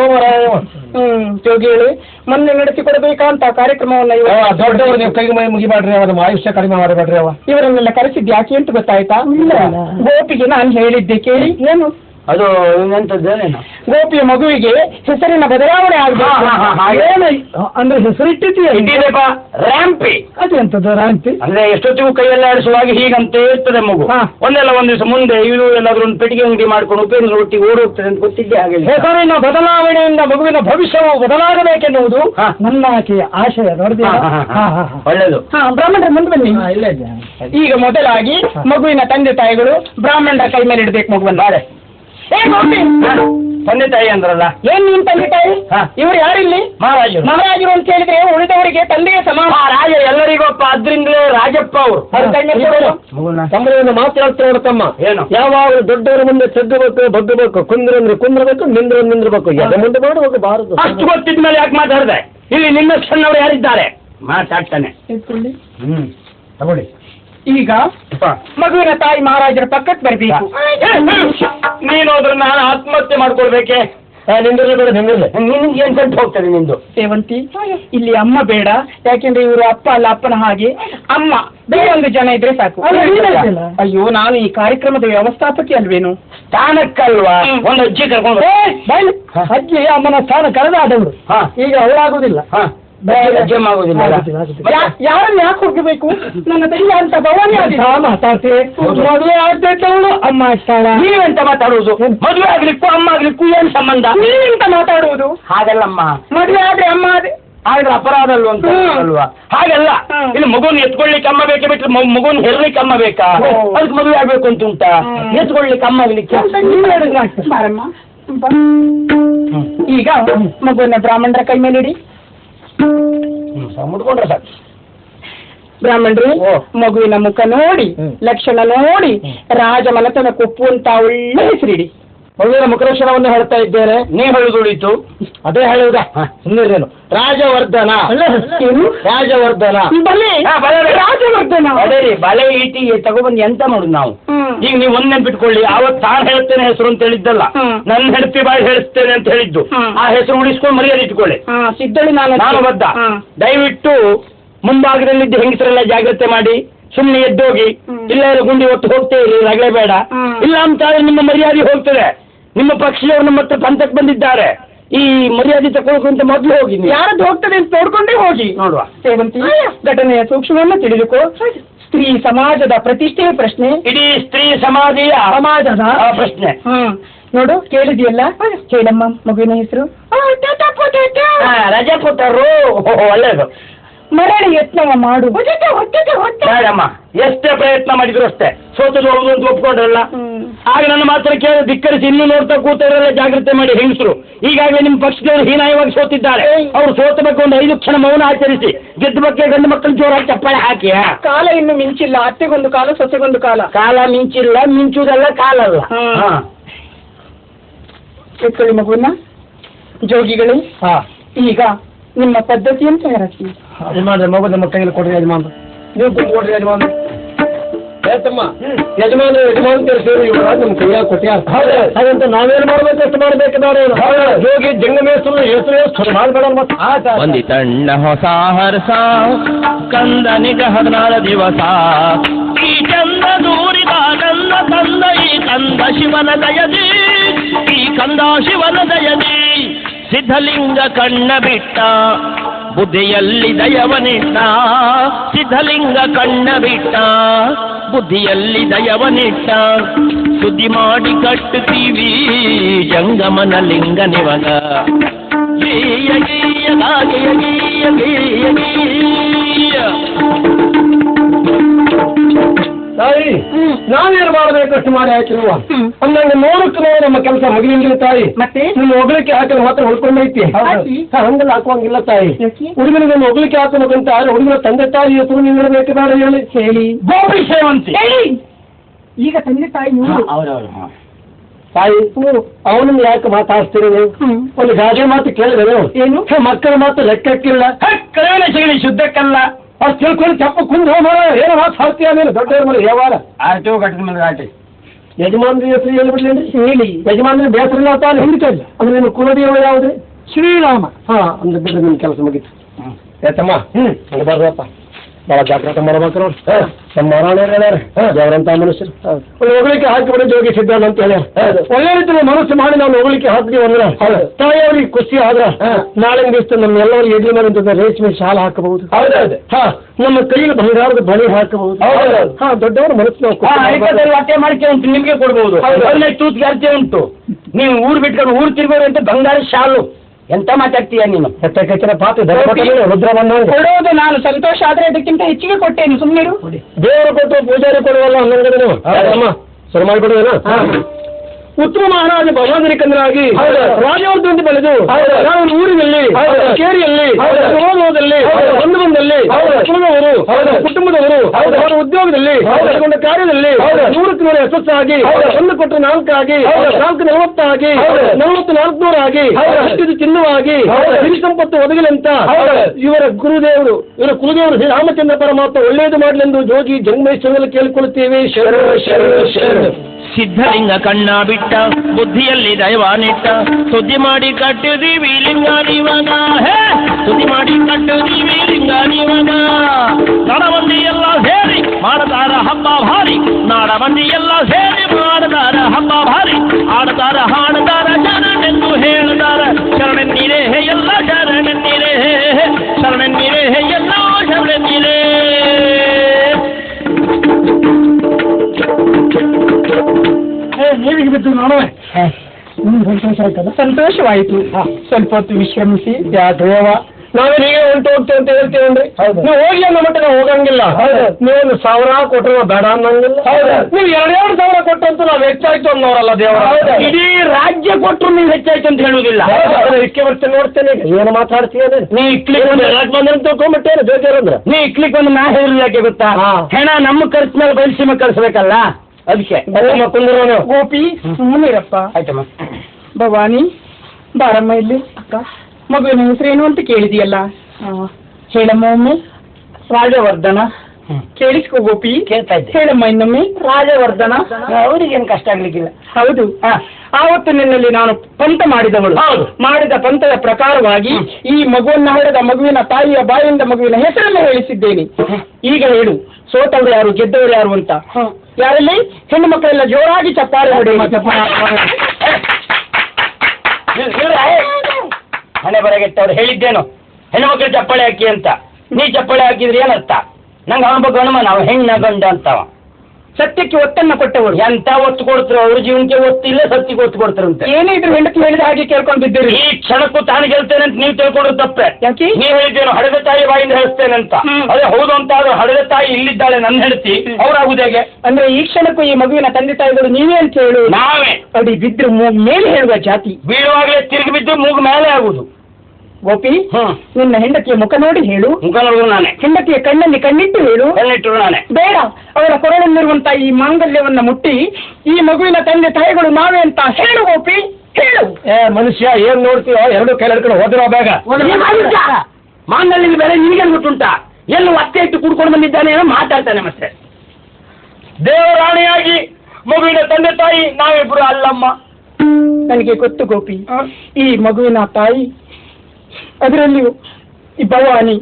ಹ್ಮ್ ಜೋಗಿಗಳು ಮೊನ್ನೆ ನಡೆಸಿಕೊಡಬೇಕಂತ ಕಾರ್ಯಕ್ರಮವನ್ನ ಇವ-
ದೊಡ್ಡವರು ನೀವು ಕೈಗೆ ಮೈ ಮುಗಿಬೇಡ್ರಿ, ಅವ ನಮ್ಮ ಆಯುಷ್ಯ ಕಡಿಮೆ ಮಾಡಬೇಡ್ರಿ. ಅವ
ಇವರನ್ನೆಲ್ಲ ಕರೆಸಿದ್ ಯಾಕೆ ಅಂತ ಗೊತ್ತಾಯ್ತಾ? ಗೋಪಿಗೆ ನಾನು ಹೇಳಿದ್ದೆ ಕೇಳಿ. ಏನು
ಅದು ಎಂತದ್ದೇನೇನು
ಗೋಪಿಯ ಮಗುವಿಗೆ ಹೆಸರಿನ ಬದಲಾವಣೆ
ಹಾ, ಹಾ, ಹಾ,
ಆಗ್ಬೇಕು.
ಹಾಗೆ.
ಏನು ಅಂದ್ರೆ ಹೆಸರಿಟ್ಟಿದ್ದೀಯ?
ಇಟ್ಟಿದೆಪ್ಪ ರ್ಯಾಂಪಿ.
ಅದು ಎಂತದ ರಾಂತಿ?
ಅಂದ್ರೆ ಎಷ್ಟೊತ್ತಿಗೂ ಕೈಯೆಲ್ಲ ಆಡಿಸುವಾಗ ಹೀಗಂತ ಇರ್ತದೆ ಮಗು.
ಹಾ.
ಒಂದೆಲ್ಲ ಒಂದ್ ದಿವಸ ಮುಂದೆ ಇವರು ಎಲ್ಲಾದ್ರೂ ಒಂದು ಪೆಟ್ಟಿಗೆ ಅಂಗಡಿ ಮಾಡ್ಕೊಂಡು ಉಪೇಂದ್ರ ಒಟ್ಟಿಗೆ ಓಡೋಗ್ತದೆ ಅಂತ ಗೊತ್ತಿದ್ದೆ ಹಾಗೆ.
ಹೆಸರಿನ ಬದಲಾವಣೆಯಿಂದ ಮಗುವಿನ ಭವಿಷ್ಯವು ಬದಲಾಗಬೇಕೆನ್ನುವುದು
ಹಾ.
ನನ್ನ ಆಕೆಯ ಆಶಯ. ನೋಡಿದ್ಯಾ?
ಹಾ, ಹಾ, ಹಾ.
ಹಾ, ಹಾ, ಹಾ.
ಒಳ್ಳೇದು.
ಹಾ ಬ್ರಾಹ್ಮಣರ ಮುಂದೆ ಬನ್ನಿ.
ಹಾ, ಇಲ್ಲ ಇದೆ.
ಈಗ ಮೊದಲಾಗಿ ಮಗುವಿನ ತಂದೆ ತಾಯಿಗಳು ಬ್ರಾಹ್ಮಣರ ಕೈ ಮೇಲೆ ಇಡ್ಬೇಕು ಮಗುವನ್ನ.
ಬಾರೆ.
ಏ ಗೋಪಿ,
ಹಾ. ತಂದೆ ತಾಯಿ ಅಂದ್ರಲ್ಲ,
ಏನ್ ನೀನ್ ತಂದೆ ತಾಯಿ?
ಹಾ.
ಇವರು ಯಾರಿಲ್ಲಿ?
ಮಹಾರಾಜರು.
ಮಹಾರಾಜರು ಅಂತ ಹೇಳಿದ್ರೆ ಉಳಿದವರಿಗೆ ತಂದೆಯ ಸಮಾನ.
ಆ ರಾಜ ಎಲ್ಲರಿಗೊಪ್ಪ, ಅದ್ರಿಂದಲೇ ರಾಜಪ್ಪ ಅವರು.
ಅವ್ರ ಕಣ್ಣೆ ತೋರು.
ತಮ್ಮನಿಂದ ಮಾತಾಡ್ತಾ ತಮ್ಮ
ಏನು?
ಯಾವಾಗ ದೊಡ್ಡವರ ಮುಂದೆ ತಗ್ಗಬೇಕು ಬಗ್ಗಬೇಕು, ಕುಂದ್ರಂದ್ರೆ ಕುಂದ್ರಬೇಕು, ನಿಂದ್ರ ನಿಂದ್ರಬೇಕು, ಎದೆ ಮುಂದೆ ಮಾಡಬೇಕು ಬಾರದು.
ಅಷ್ಟು ಗೊತ್ತಿದ್ಮೇಲೆ ಯಾಕೆ ಮಾತಾಡ್ದೆ? ಇಲ್ಲಿ ನಿಮ್ಮ ಕ್ಷಣವ್ರು ಯಾರಿದ್ದಾರೆ? ಮಾತಾಡ್ತಾನೆ.
ಇಟ್ಕೊಳ್ಳಿ.
ಹ್ಮ್ ತಗೊಳ್ಳಿ.
ಈಗ
ಅಪ್ಪ.
ಮಗುವಿನ ತಾಯಿ ಮಹಾರಾಜರ ಪಕ್ಕಕ್ಕೆ ಬರ್ಬೇಕು.
ನೀನು ಹೋದ್ರೆ ನಾನು ಆತ್ಮಹತ್ಯೆ ಮಾಡ್ಕೊಳ್ಬೇಕೆ?
ನಿಂದಿರ್ಲಿ ಬೇಡ, ನಿಂದಿರ್ಲಿ.
ನಿನ್ಗೆ ಏನ್ ಕಂಡು ಹೋಗ್ತದೆ ನಿಂದು?
ಸೇವಂತಿ, ಇಲ್ಲಿ ಅಮ್ಮ ಬೇಡ, ಯಾಕೆಂದ್ರೆ ಇವರು ಅಪ್ಪ ಅಲ್ಲ ಅಪ್ಪನ ಹಾಗೆ. ಅಮ್ಮ ಬೇರೆ ಒಂದು ಜನ ಇದ್ರೆ ಸಾಕು.
ಅಲ್ಲ, ನೀನಲ್ಲ.
ಅಯ್ಯೋ, ನಾನು ಈ ಕಾರ್ಯಕ್ರಮದ ವ್ಯವಸ್ಥಾಪಕಿ ಅಲ್ವೇನು?
ಸ್ಥಾನಕ್ಕಲ್ವಾ? ಒಂದು ಅಜ್ಜಿ ಕರ್ಕೊಂಡು
ಏ, ಬಾಯ್ಲಿ. ಅಜ್ಜಿ ಅಮ್ಮನ ಸ್ಥಾನ ಕಳೆದಾದವರು.
ಹಾ.
ಈಗ ಅವಳಾಗುದಿಲ್ಲ.
ಹಾ. ಅಜ್ಜಿ ಅಮ್ಮ ಆಗುದಿಲ್ಲ.
ಆಗುದಿಲ್ಲ, ಆಗುದಿಲ್ಲ.
ಯಾ- ಯಾರನ್ನ ಯಾಕೆ ಹೋಗಬೇಕು? ನನ್ನ ತಂಗಿ ಅಂತ ಭವಾನಿ ಆಗಿದೆ.
ಹಾ, ಮಾತಾಡ್ತಿ. ಮದುವೆ ಆಗ್ತೈತವಳು ಅಮ್ಮ ಆಗ್ತಾಳ.
ನೀವೆಂತ ಮಾತಾಡುವುದು? ಮದುವೆ ಆಗ್ಲಿಕ್ಕೂ ಅಮ್ಮ ಆಗ್ಲಿಕ್ಕೂ ಏನ್ ಸಂಬಂಧ?
ನೀವೆಂತ ಮಾತಾಡುವುದು?
ಹಾಗಲ್ಲಮ್ಮ,
ಮದುವೆ ಆದ್ರೆ ಅಮ್ಮ ಆದ್ರೆ
ಹಾಗಾದ್ರೆ ಅಪರಾಧ ಅಲ್ವ ಅಂತ
ಹ್ಮ್.
ಅಲ್ವಾ? ಹಾಗಲ್ಲ.
ಹ್ಮ್.
ಇಲ್ಲಿ ಮಗುನ್ ಎತ್ಕೊಳ್ಳಿಕ್ಕೆ ಅಮ್ಮ ಬೇಕೇ ಬಿಟ್ರೆ ಮಗುನ್ ಹೆರ್ಲಿಕ್ಕೆ ಅಮ್ಮ ಬೇಕಾ?
ಓ.
ಅದಕ್ಕೆ ಮದುವೆ ಆಗ್ಬೇಕು ಅಂತ ಉಂಟಾ?
ಹ್ಮ್.
ಎತ್ಕೊಳ್ಳಿಕ್ಕೆ ಅಮ್ಮ ಆಗ್ಲಿಕ್ಕೆ
ನೀವ್ ಹೇಳಿದ್ರೆ ಆಗ್ತದೆ. ಬಾರಮ್ಮ. ಬಾ. ಈಗ ಮಗುವನ್ನ ಬ್ರಾಹ್ಮಣರ ಕೈ ಮೇಲೆ ಇಡಿ.
ಮುಡ್ಕೊಂಡ್ರೆ ಸಾಕು.
ಬ್ರಾಹ್ಮಣರು
ಓ.
ಮಗುವಿನ ಮುಖ ನೋಡಿ,
ಹ್ಮ್.
ಲಕ್ಷಣ ನೋಡಿ, ರಾಜ ಮನತನ ಕೊಪ್ಪುವಂತ ಒಳ್ಳೆ ಹೆಸರಿಡಿ.
ಮಗುವಿನ ಮುಖಲಕ್ಷಣವನ್ನು ಹೇಳ್ತಾ ಇದ್ದೇನೆ.
ನೀ ಹೇಳುದುಳಿತು.
ಅದೇ ಹೇಳುವುದ
ಹಾ.
ಸುಮ್ಮನಿರೇನು? ರಾಜವರ್ಧನ.
ಏನು?
ರಾಜವರ್ಧನ.
ಬಲೆ
ಹಾ, ಬಲೆ, ಬಲೆ.
ರಾಜವರ್ಧನ.
ಅದೇ ರೀ, ಬಲೆ ಈಟಿ ತಗೊಬಂದು ಎಂತ ಮಾಡುದು ನಾವು?
ಹ್ಮ್.
ಈಗ ನೀವು ಒಂದ್ ನೆನ್ಪಿಟ್ಕೊಳ್ಳಿ, ಅವತ್ ತಾನು ಹೇಳ್ತೇನೆ ಹೆಸರು ಅಂತ ಹೇಳಿದ್ದಲ್ಲ,
ಹ್ಮ್.
ನನ್ನ ಹೆಂಡತಿ ಬಾಯಿ ಹೇಳಿಸ್ತೇನೆ ಅಂತ ಹೇಳಿದ್ದು.
ಹ್ಮ್.
ಆ ಹೆಸರು ಉಳಿಸ್ಕೊಂಡು ಮರ್ಯಾದೆ ಇಟ್ಕೊಳ್ಳಿ.
ಹಾ, ಸಿದ್ದಳು ನಾನು.
ನಾನು ಬದ್ಧ.
ಹಾ.
ದಯವಿಟ್ಟು ಮುಂಭಾಗದಲ್ಲಿದ್ದ ಹೆಂಗಸರೆಲ್ಲ ಜಾಗ್ರತೆ ಮಾಡಿ, ಸುಮ್ಮನೆ ಎದ್ದೋಗಿ.
ಹ್ಮ್.
ಇಲ್ಲ ಗುಂಡಿ ಒಟ್ಟು ಹೋಗ್ತೇವೆ, ರಗಳೆ ಬೇಡ.
ಹ್ಮ್.
ಇಲ್ಲ ಅಂತಾದ್ರೆ ನಿಮ್ಮ ಮರ್ಯಾದೆ ಹೋಗ್ತದೆ. ನಿಮ್ಮ ಪಕ್ಷದವರು ನಮ್ಮ ಹತ್ರ ಪಂಥಕ್ಕೆ ಬಂದಿದ್ದಾರೆ. ಈ ಮರ್ಯಾದೆ ತಗೊಳ್ಕೊಂತ ಮೊದಲು ಹೋಗಿ ನೀವು.
ಯಾರದ್ದು ಹೋಗ್ತದೆ ಅಂತ ನೋಡ್ಕೊಂಡೇ ಹೋಗಿ.
ನೋಡುವ.
ಸೇವಂತಿ, ಘಟನೆಯ ಸೂಕ್ಷ್ಮವನ್ನು ತಿಳಿದುಕೋ. ಸ್ತ್ರೀ ಸಮಾಜದ ಪ್ರತಿಷ್ಠೆಯ ಪ್ರಶ್ನೆ.
ಇಡೀ ಸ್ತ್ರೀ ಸಮಾಧಿಯ
ಸಮಾಜದ
ಆ ಪ್ರಶ್ನೆ.
ಹ್ಮ್ ನೋಡು, ಕೇಳಿದ್ಯಲ್ಲ? ಹೇಳಮ್ಮ ಮಗುವಿನ ಹೆಸರು.
ಹಾ, ರಜಪುತರು. ಒಳ್ಳೇದು.
ಮರಳಿ ಯತ್ನವ ಮಾಡು.
ಬೇಡಮ್ಮ, ಎಷ್ಟೇ ಪ್ರಯತ್ನ ಮಾಡಿದ್ರು ಅಷ್ಟೇ. ಸೋತದು ಹೌದು ಅಂತ ಒಪ್ಕೊಂಡ್ರಲ್ಲ.
ಹ್ಮ್.
ಆಗ ನನ್ನ ಮಾತ್ರ ಕೇಳಿ ಧಿಕ್ಕರಿಸಿ ಇನ್ನೂ ನೋಡ್ತಾ ಕೂತವರೆಲ್ಲ ಜಾಗ್ರತೆ ಮಾಡಿ ಹೆಂಗಸರು. ಈಗಾಗಲೇ ನಿಮ್ಮ ಪಕ್ಷದವರು ಹೀನಾಯವಾಗಿ ಸೋತಿದ್ದಾರೆ. ಅವ್ರು ಸೋತ ಬಗ್ಗೆ ಒಂದು ಐದು ಕ್ಷಣ ಮೌನ ಆಚರಿಸಿ, ಗೆದ್ದ ಬಗ್ಗೆ ಗಂಡು ಮಕ್ಕಳು ಜೋರಾಗಿ ಚಪ್ಪಾಳೆ ಹಾಕಿ.
ಕಾಲ ಇನ್ನು ಮಿಂಚಿಲ್ಲ. ಅತ್ತೆಗೊಂದು ಕಾಲ, ಸೊಸೆಗೊಂದು ಕಾಲ.
ಕಾಲ ಮಿಂಚಿಲ್ಲ, ಮಿಂಚುವುದಲ್ಲ ಕಾಲಲ್ಲ.
ಹ್ಮ್.
ಹಾ.
ಎತ್ಕೊಳ್ಳಿ ಮಗುವನ್ನ. ಜೋಗಿಗಳು,
ಹಾ.
ಈಗ ನಿಮ್ಮ ಪದ್ಧತಿಯನ್ನು ತಯಾರಿಸಿ.
ಯಜಮಾನ್ರೆ, ಮಗು ನಮ್ಮ ಕೈಯಲ್ಲಿ ಕೊಡ್ರಿ ಯಜಮಾನ್. ನೀವು ಕೊಡ್ರಿ ಯಜಮಾನ್. ಹೇಳ್ತಮ್ಮ, ಯಜಮಾನ್ರೆ ಯಜಮಾನ್ ಸೇರಿ ಇವಾಗ ನಮ್ಮ ಕೈಯಾಗ ಕೊಟ್ಟ್ಯಾರ. ಹಾಗಂತ ನಾವೇನು ಮಾಡ್ಬೇಕು ಅಷ್ಟು ಮಾಡ್ಬೇಕು. ನಾವು ಯೋಗಿ ಜಂಗಮೇಶ್ವರ ಹೆಸರು ಎಷ್ಟು ಮಾಡಬೇಡ ಮತ್ತೆ. ಆಯ್ತು.
ಒಂದಿತಣ್ಣ ಹೊಸ ಹರ್ಷ ಕಂದ ನಿಜ ಹದಿನಾರು ದಿವಸ ಈ ಚಂದ ದೂರಿದ ಕಂದ ಕಂದ ಈ ಕಂದ ಶಿವನ ದಯದಿ ಈ ಕಂದ ಶಿವನ ದಯದಿ ಸಿದ್ಧಲಿಂಗ ಕಣ್ಣ ಬಿಟ್ಟ ಬುದ್ಧಿಯಲ್ಲಿ ದಯವನಿಟ್ಟ, ಸಿದ್ಧಲಿಂಗ ಕಣ್ಣ ಬಿಟ್ಟ ಬುದ್ಧಿಯಲ್ಲಿ ದಯವನಿಟ್ಟ, ಸುದ್ದಿ ಮಾಡಿ ಕಟ್ಟುತ್ತೀವಿ ಜಂಗಮನ ಲಿಂಗ ನಿವಗ. ಗೀಯ ಗೀಯ ಗಾಗಿಯ ಗೀಯ ಗೀಯ ಗೀಯ.
ತಾಯಿ ನಾವೇನು ಮಾಡಬೇಕು ಅಷ್ಟು ಮಾಡಿ ಹಾಕಿರುವ ಅಂದಂಗೆ ನೋಡಕ್ಕೆ ನೋಡಿ ನಮ್ಮ ಕೆಲಸ ಮುಗಿಲಿಲ್ಲ ತಾಯಿ.
ಮತ್ತೆ
ನಿಮ್ಮ ಒಗ್ಲಿಕ್ಕೆ ಹಾಕಿದ್ರೆ ಮಾತ್ರ ಉಳ್ಕೊಂಡೈತಿ. ಹಂಗೆಲ್ಲ ಹಾಕುವಂಗಿಲ್ಲ ತಾಯಿ. ಹುಡುಗನಿಗೆ ಒಗ್ಲಿಕ್ಕೆ ಹಾಕಬೇಕಂತ ಆದ್ರೆ ಹುಡುಗನ ತಂದೆ ತಾಯಿ ಹೆಸರು ನೀವು ಇರಬೇಕು ಬೇಡ ಹೇಳಿ
ಹೇಳಿ.
ಗೋಪಿ ಸೇವಂತಿ
ಹೇಳಿ. ಈಗ ತಂದೆ ತಾಯಿ ನೀವು
ತಾಯಿ ಅವನನ್ನು ಯಾಕೆ ಮಾತಾಡ್ತೀರಿ ನೀವು? ಒಂದು ಗಾದೆ ಮಾತು ಕೇಳಿದ್ರೆ
ಏನು?
ಮಕ್ಕಳ ಮಾತು ಲೆಕ್ಕಕ್ಕಿಲ್ಲ.
ಕಳವಳ ಸಿಗಲಿ ಶುದ್ಧಕ್ಕಲ್ಲ.
ಅಷ್ಟು ತಿಳ್ಕೊಂಡು ತಪ್ಪ ಕುಂದು ಹೋಗೋಣ ಏನೋ ಮಾತಾಡ್ತೀಯ ನೀನು ದೊಡ್ಡವ್ರ ಮೇಲೆ ವ್ಯವಹಾರ.
ಆರ್ಟಿಒ ಕಟ್ಟಿದ ಮೇಲೆ ಘಾಟಿ
ಯಜಮಾನ್ರಿ ಹೆಸರು ಹೇಳ್ಬಿಡ್ಲಿ
ಹೇಳಿ.
ಯಜಮಾನ್ರಿ ಬೇಸರ ಇಲ್ಲ ತಾನು ಹಿಂದಿತ ಇಲ್ಲ ಅಂದ್ರೆ ನಿಮ್ಮ ಕುಲದೇವ ಯಾವ್ದ್ರಿ?
ಶ್ರೀರಾಮ.
ಹಾ ಅಂದ್ರೆ ಬಿಡ್ರಿ ನಿಮ್ ಕೆಲಸ ಮುಗೀತು. ಏತಮ್ಮ ಹ್ಮ್ ಹಂಗೆ ಬರ್ರಪ್ಪ ಬಹಳ ಜಾಗ್ರತೆ ಮಾಡ್ಬೇಕು ನೋಡಿ. ನಮ್ಮ ಮಹಾರಾಣಿಯರು ದೇವರಂತ ಮನುಷ್ಯರು ಹೋಗ್ಲಿಕ್ಕೆ ಹಾಕಿಬಿಡ ಜೋಗಿ ಸಿದ್ಧಾನ ಅಂತ ಹೇಳಿ ಒಳ್ಳೆ ರೀತಿ ಮನಸ್ಸು ಮಾಡಿ ನಾವು ಹೋಗ್ಲಿಕ್ಕೆ ಹಾಕ್ತೀವಿ ಅಂದ್ರೆ ತಾಯಿಯವ್ರಿಗೆ ಖುಷಿ ಆದ್ರ ನಾಳೆ ದಿವಸ ನಮ್ಮ ಎಲ್ಲರಿಗೆ ಎದುರು ಮೇಲೆ ರೇಷ್ಮೆ ಶಾಲ ಹಾಕಬಹುದು. ಹಾ ನಮ್ಮ ಕೈಯಲ್ಲಿ ಬಂಗಾರದ ಬಳಿ ಹಾಕಬಹುದು. ಹಾ ದೊಡ್ಡವರ ಮನಸ್ಸು
ಅಟ್ಟೆ ಮಾಡಿಕೆ ಉಂಟು ನಿಮ್ಗೆ ಕೊಡ್ಬಹುದು. ಹದಿನೈದು ತೂತಿಗೆ ಅರ್ಜೆ ಉಂಟು. ನೀವು ಊರು ಬಿಟ್ಕೊಂಡು ಊರು ತಿರ್ಗೋರು ಅಂತ ಬಂಗಾರ ಶಾಲು ಎಂತ ಮಾತಾಡ್ತೀಯ ನೀನು?
ಹೆಚ್ಚಿನ ಪಾತ್ರ ರುದ್ರ ಬಂದ
ಕೊಡೋದು ನಾನು ಸಂತೋಷ ಆದ್ರೆ ಅದಕ್ಕಿಂತ ಹೆಚ್ಚಿಗೆ ಕೊಟ್ಟೇನು. ಸುಮ್ಮನೆ
ದೇವರು ಕೊಟ್ಟು ಪೂಜಾರಿ ಕೊಡುವಲ್ಲ ಹನ್ನೊಂದು ನೀವು ಅಮ್ಮ ಶುರು ಮಾಡಿಬಿಡುವೇನ? ಉತ್ತಮ ಮಹಾರಾಜ ಭವಾದರಿಕಂದ್ರಾಗಿ ರಾಜವರ್ಧಂತೆ ಬೆಳೆದು ನಾವು ಊರಿನಲ್ಲಿ ಕೇರಿಯಲ್ಲಿ ಸಮಾಜದಲ್ಲಿ ಬಂಧು ಬಂದಲ್ಲಿ ಕುಟುಂಬದವರು ಕುಟುಂಬದವರು ಅವರ ಉದ್ಯೋಗದಲ್ಲಿ ಕೈಗೊಂಡ ಕಾರ್ಯದಲ್ಲಿ ನೂರಕ್ಕೆ ನೂರ ಯಶಸ್ಸಾಗಿ ಒಂದು ಕೊಟ್ಟರೆ ನಾಲ್ಕಾಗಿ ನಾಲ್ಕು ನಲವತ್ತಾಗಿ ನಲವತ್ತು ನಾಲ್ಕುನೂರಾಗಿ ಹತ್ತಿದ ಚಿನ್ನವಾಗಿ ಹಿರಿ ಸಂಪತ್ತು ಒದಗಲೆಂತ ಇವರ ಗುರುದೇವರು ಇವರ ಕುಲದೇವರು ಶ್ರೀ ರಾಮಚಂದ್ರ ಪರಮಾತ್ಮ ಒಳ್ಳೆಯದು ಮಾಡಲೆಂದು ಜೋಗಿ ಜಂಗಮೇಶ್ವರಲ್ಲಿ ಕೇಳಿಕೊಳ್ಳುತ್ತೇವೆ. ಶರಣ ಶರಣ ಶರಣ.
ಸಿದ್ಧಲಿಂಗ ಕಣ್ಣ ಬಿಟ್ಟ ಬುದ್ಧಿಯಲ್ಲಿ ದೈವಾನಿಟ್ಟ, ಸುದ್ದಿ ಮಾಡಿ ಕಟ್ಟುದೀವಿ ಲಿಂಗ ನಿವಗ. ಹೇ ಸುದ್ದಿ ಮಾಡಿ ಕಟ್ಟುದೀವಿ ಲಿಂಗ ನಿವಗ. ನಾಡ ಮಂದಿ ಎಲ್ಲ ಸೇರಿ ಮಾಡತಾರ ಹಬ್ಬ ಭಾರಿ, ನಾಡ ಮಂದಿ ಎಲ್ಲ ಸೇರಿ ಮಾಡತಾರ ಹಬ್ಬ ಭಾರಿ. ಆಡತಾರ ಹಾಡತಾರ ಶರಣೆಂದು ಹೇಳತಾರ, ಶರಣೆನ್ನೀರೇ ಎಲ್ಲ ಶರಣೆನ್ನೀರೇ, ಶರಣೆನ್ನೀರೇ ಎಲ್ಲ ಶರಣೆನ್ನೀರೇ.
ನೀವಿಗೆ ಬಿದ್ದು ನೋಡುವೆ ಸಂತೋಷ ಆಯ್ತಲ್ಲ?
ಸಂತೋಷವಾಯಿತು. ಸ್ವಲ್ಪ ಹೊತ್ತು ವಿಶ್ರಮಿಸಿ.
ಯಾ ದೇವ ನಾವೇ ನೀವೇ ಹೊಂಟು ಹೋಗ್ತೇವೆ ಅಂತ ಹೇಳ್ತೀವಿ. ನೀವು ಹೋಗಿ ಅನ್ನೋ ಮಟ್ಟ ನಾವು ಹೋಗಂಗಿಲ್ಲ. ನೀವೊಂದು ಸಾವಿರ ಕೊಟ್ಟರು ಬೇಡ ಅನ್ನಂಗಿಲ್ಲ. ನೀವು ಎರಡೆರಡು ಸಾವಿರ ಕೊಟ್ಟಂತೂ ನಾವು ಹೆಚ್ಚಾಯ್ತು ಅನ್ನೋರಲ್ಲ ದೇವರ.
ಇಡೀ ರಾಜ್ಯ ಕೊಟ್ಟರು ನೀವು ಹೆಚ್ಚಾಯ್ತು ಅಂತ ಹೇಳುವುದಿಲ್ಲ.
ಇಕ್ಕೆ ಬರ್ತೇನೆ ನೋಡ್ತೇನೆ ಏನು ಮಾತಾಡ್ತೀಯ
ನೀ ಇಕ್ಲಿಕ್ಕೆ ಒಂದು
ಬಂದ್ರೆ ತಗೊಂಡ್ಬಿಟ್ಟೇನೆ ಬೇಜಾರಂದ್ರೆ
ನೀ ಇಕ್ಲಿಕ್ಕೆ ಒಂದು ನಾ ಹೇಳಿಕೆ ಗೊತ್ತಾ? ಹೆಣ ನಮ್ಮ ಖರ್ಚು ಮೇಲೆ ಬಯಸಿಮ ಕಳಿಸ್ಬೇಕಲ್ಲ, ಅದಕ್ಕೆ
ಕುಂದ್ರು.
ಗೋಪಿ ಸುಮ್ಮನಿರಪ್ಪ.
ಆಯ್ತಮ್ಮ.
ಭವಾನಿ ಬಾರಮ್ಮ ಇಲ್ಲಿ. ಅಕ್ಕ ಮಗುವಿನ ಹೆಸರೇನು ಅಂತ ಕೇಳಿದೆಯಲ್ಲ, ಹೇಳಮ್ಮ ಒಮ್ಮೆ. ರಾಜವರ್ಧನ. ಕೇಳಿಸ್ಕೋ ಗೋಪಿ.
ಕೇಳ್ತಾ ಇದ್ದೆ.
ಹೇಳಮ್ಮ ಇನ್ನೊಮ್ಮೆ. ರಾಜವರ್ಧನ.
ಅವರಿಗೇನು ಕಷ್ಟ ಆಗ್ಲಿಕ್ಕಿಲ್ಲ.
ಹೌದು. ಆವತ್ತು ನಿನ್ನಲ್ಲಿ ನಾನು ಪಂಥ ಮಾಡಿದವಳು.
ಹೌದು.
ಮಾಡಿದ ಪಂಥದ ಪ್ರಕಾರವಾಗಿ ಈ ಮಗುವನ್ನ ಹಡೆದ ಮಗುವಿನ ತಾಯಿಯ ಬಾಯಿಂದ ಮಗುವಿನ ಹೆಸರನ್ನು ಹೇಳಿಸಿದ್ದೇನೆ. ಈಗ ಹೇಳು, ಸೋತವರು ಯಾರು ಗೆದ್ದವರು ಯಾರು ಅಂತ. ಯಾರಲ್ಲಿ? ಹೆಣ್ಣು ಮಕ್ಕಳೆಲ್ಲ ಜೋರಾಗಿ ಚಪ್ಪಾಳೆ ಹೊಡೆ.
ಹಣೆ ಬರಗೆಟ್ಟವ್ರು ಹೇಳಿದ್ದೇನು ಹೆಣ್ಣು ಮಕ್ಕಳು ಚಪ್ಪಾಳೆ ಹಾಕಿ ಅಂತ. ನೀ ಚಪ್ಪಾಳೆ ಹಾಕಿದ್ರೆ ಏನರ್ಥ? ನಂಗೆ ಅವನ ಬಗ್ಗೆ ಅನುಮಾನ, ಅವ ಹೆಣ್ಣ ಗಂಡ ಅಂತವ.
ಸತ್ಯಕ್ಕೆ ಒತ್ತನ್ನು ಕೊಟ್ಟವರು.
ಎಂತ ಒತ್ತು ಕೊಡ್ತಾರೆ? ಅವ್ರ ಜೀವನಕ್ಕೆ ಒತ್ತಿಲ್ಲ, ಸತ್ಯಕ್ಕೆ ಒತ್ತು ಕೊಡ್ತಾರಂತೆ.
ಏನೇ ಇದ್ರು ಹೆಂಡತಿ ಹೇಳಿದ ಹಾಗೆ ಕೇಳ್ಕೊಂಡು ಬಿದ್ದೀರಿ.
ಈ ಕ್ಷಣಕ್ಕೂ ತಾನು ಗೆಲ್ತೇನೆ ಅಂತ ನೀವು ತಿಳ್ಕೊಂಡ್ರು ತಪ್ಪೆ.
ಯಾಕೆ?
ನೀವು ಹೇಳಿದ್ದೇನು ಹಡೆದ ತಾಯಿ ಬಾಯಿಂದ ಹೇಳಿಸ್ತೇನೆ ಅಂತ. ಅದೇ ಹೌದು ಅಂತ ಆದ್ರೆ ಹಡೆದ ತಾಯಿ ಇಲ್ಲಿದ್ದಾಳೆ ನನ್ನ ಹೆಂಡತಿ, ಅವ್ರಾಗುದು ಹೇಗೆ?
ಅಂದ್ರೆ ಈ ಕ್ಷಣಕ್ಕೂ ಈ ಮಗುವಿನ ತಂದೆ ತಾಯಿಗಳು ನೀವೇ ಅಂತ ಹೇಳು.
ನಾವೇ.
ಅಡಿ ಬಿದ್ರು ಮೂಗ್ ಮೇಲೆ ಹೇಳುವ ಜಾತಿ.
ಬೀಳುವಾಗಲೇ ತಿರುಗಿ ಬಿದ್ದು ಮೂಗು ಮೇಲೆ ಆಗುದು.
ಗೋಪಿ,
ಹ್ಮ್
ನಿನ್ನ ಹೆಂಡತಿಯ ಮುಖ ನೋಡಿ ಹೇಳು.
ಮುಖ ನೋಡುದು ನಾನೇ.
ಹೆಂಡತಿಯ ಕಣ್ಣಲ್ಲಿ ಕಣ್ಣಿಟ್ಟು ಹೇಳು.
ಕಣ್ಣಿಟ್ಟರು ನಾನೇ.
ಬೇಡ, ಅವರ ಕೊರಳಲ್ಲಿರುವಂತ ಈ ಮಾಂಗಲ್ಯವನ್ನ ಮುಟ್ಟಿ ಈ ಮಗುವಿನ ತಂದೆ ತಾಯಿಗಳು ನಾವೇ ಅಂತ ಹೇಳು ಗೋಪಿ, ಹೇಳು.
ಏ ಮನುಷ್ಯ ಏನ್ ನೋಡ್ತೀವೋ ಎರಡು ಕೈ ಹಿಡ್ಕೊಂಡು ಹೋದಿರೋ ಬೇಗ.
ಮಾಂಗಲ್ಯದ ಬೆಲೆ ನಿನಗೆ ಗೊತ್ತುಂಟಾ? ಎಲ್ಲೂ ಅತ್ತೆ ಇಟ್ಟು ಕುಡ್ಕೊಂಡು ಬಂದಿದ್ದಾನೆ ಏನೋ ಮಾತಾಡ್ತಾನೆ. ಮತ್ತೆ ದೇವರಾಣಿಯಾಗಿ ಮಗುವಿನ ತಂದೆ ತಾಯಿ ನಾವಿಬ್ರು ಅಲ್ಲಮ್ಮ.
ನನಗೆ ಗೊತ್ತು ಗೋಪಿ, ಈ ಮಗುವಿನ ತಾಯಿ ಅದರಲ್ಲಿಯೂ ಈ ಭವಾನಿ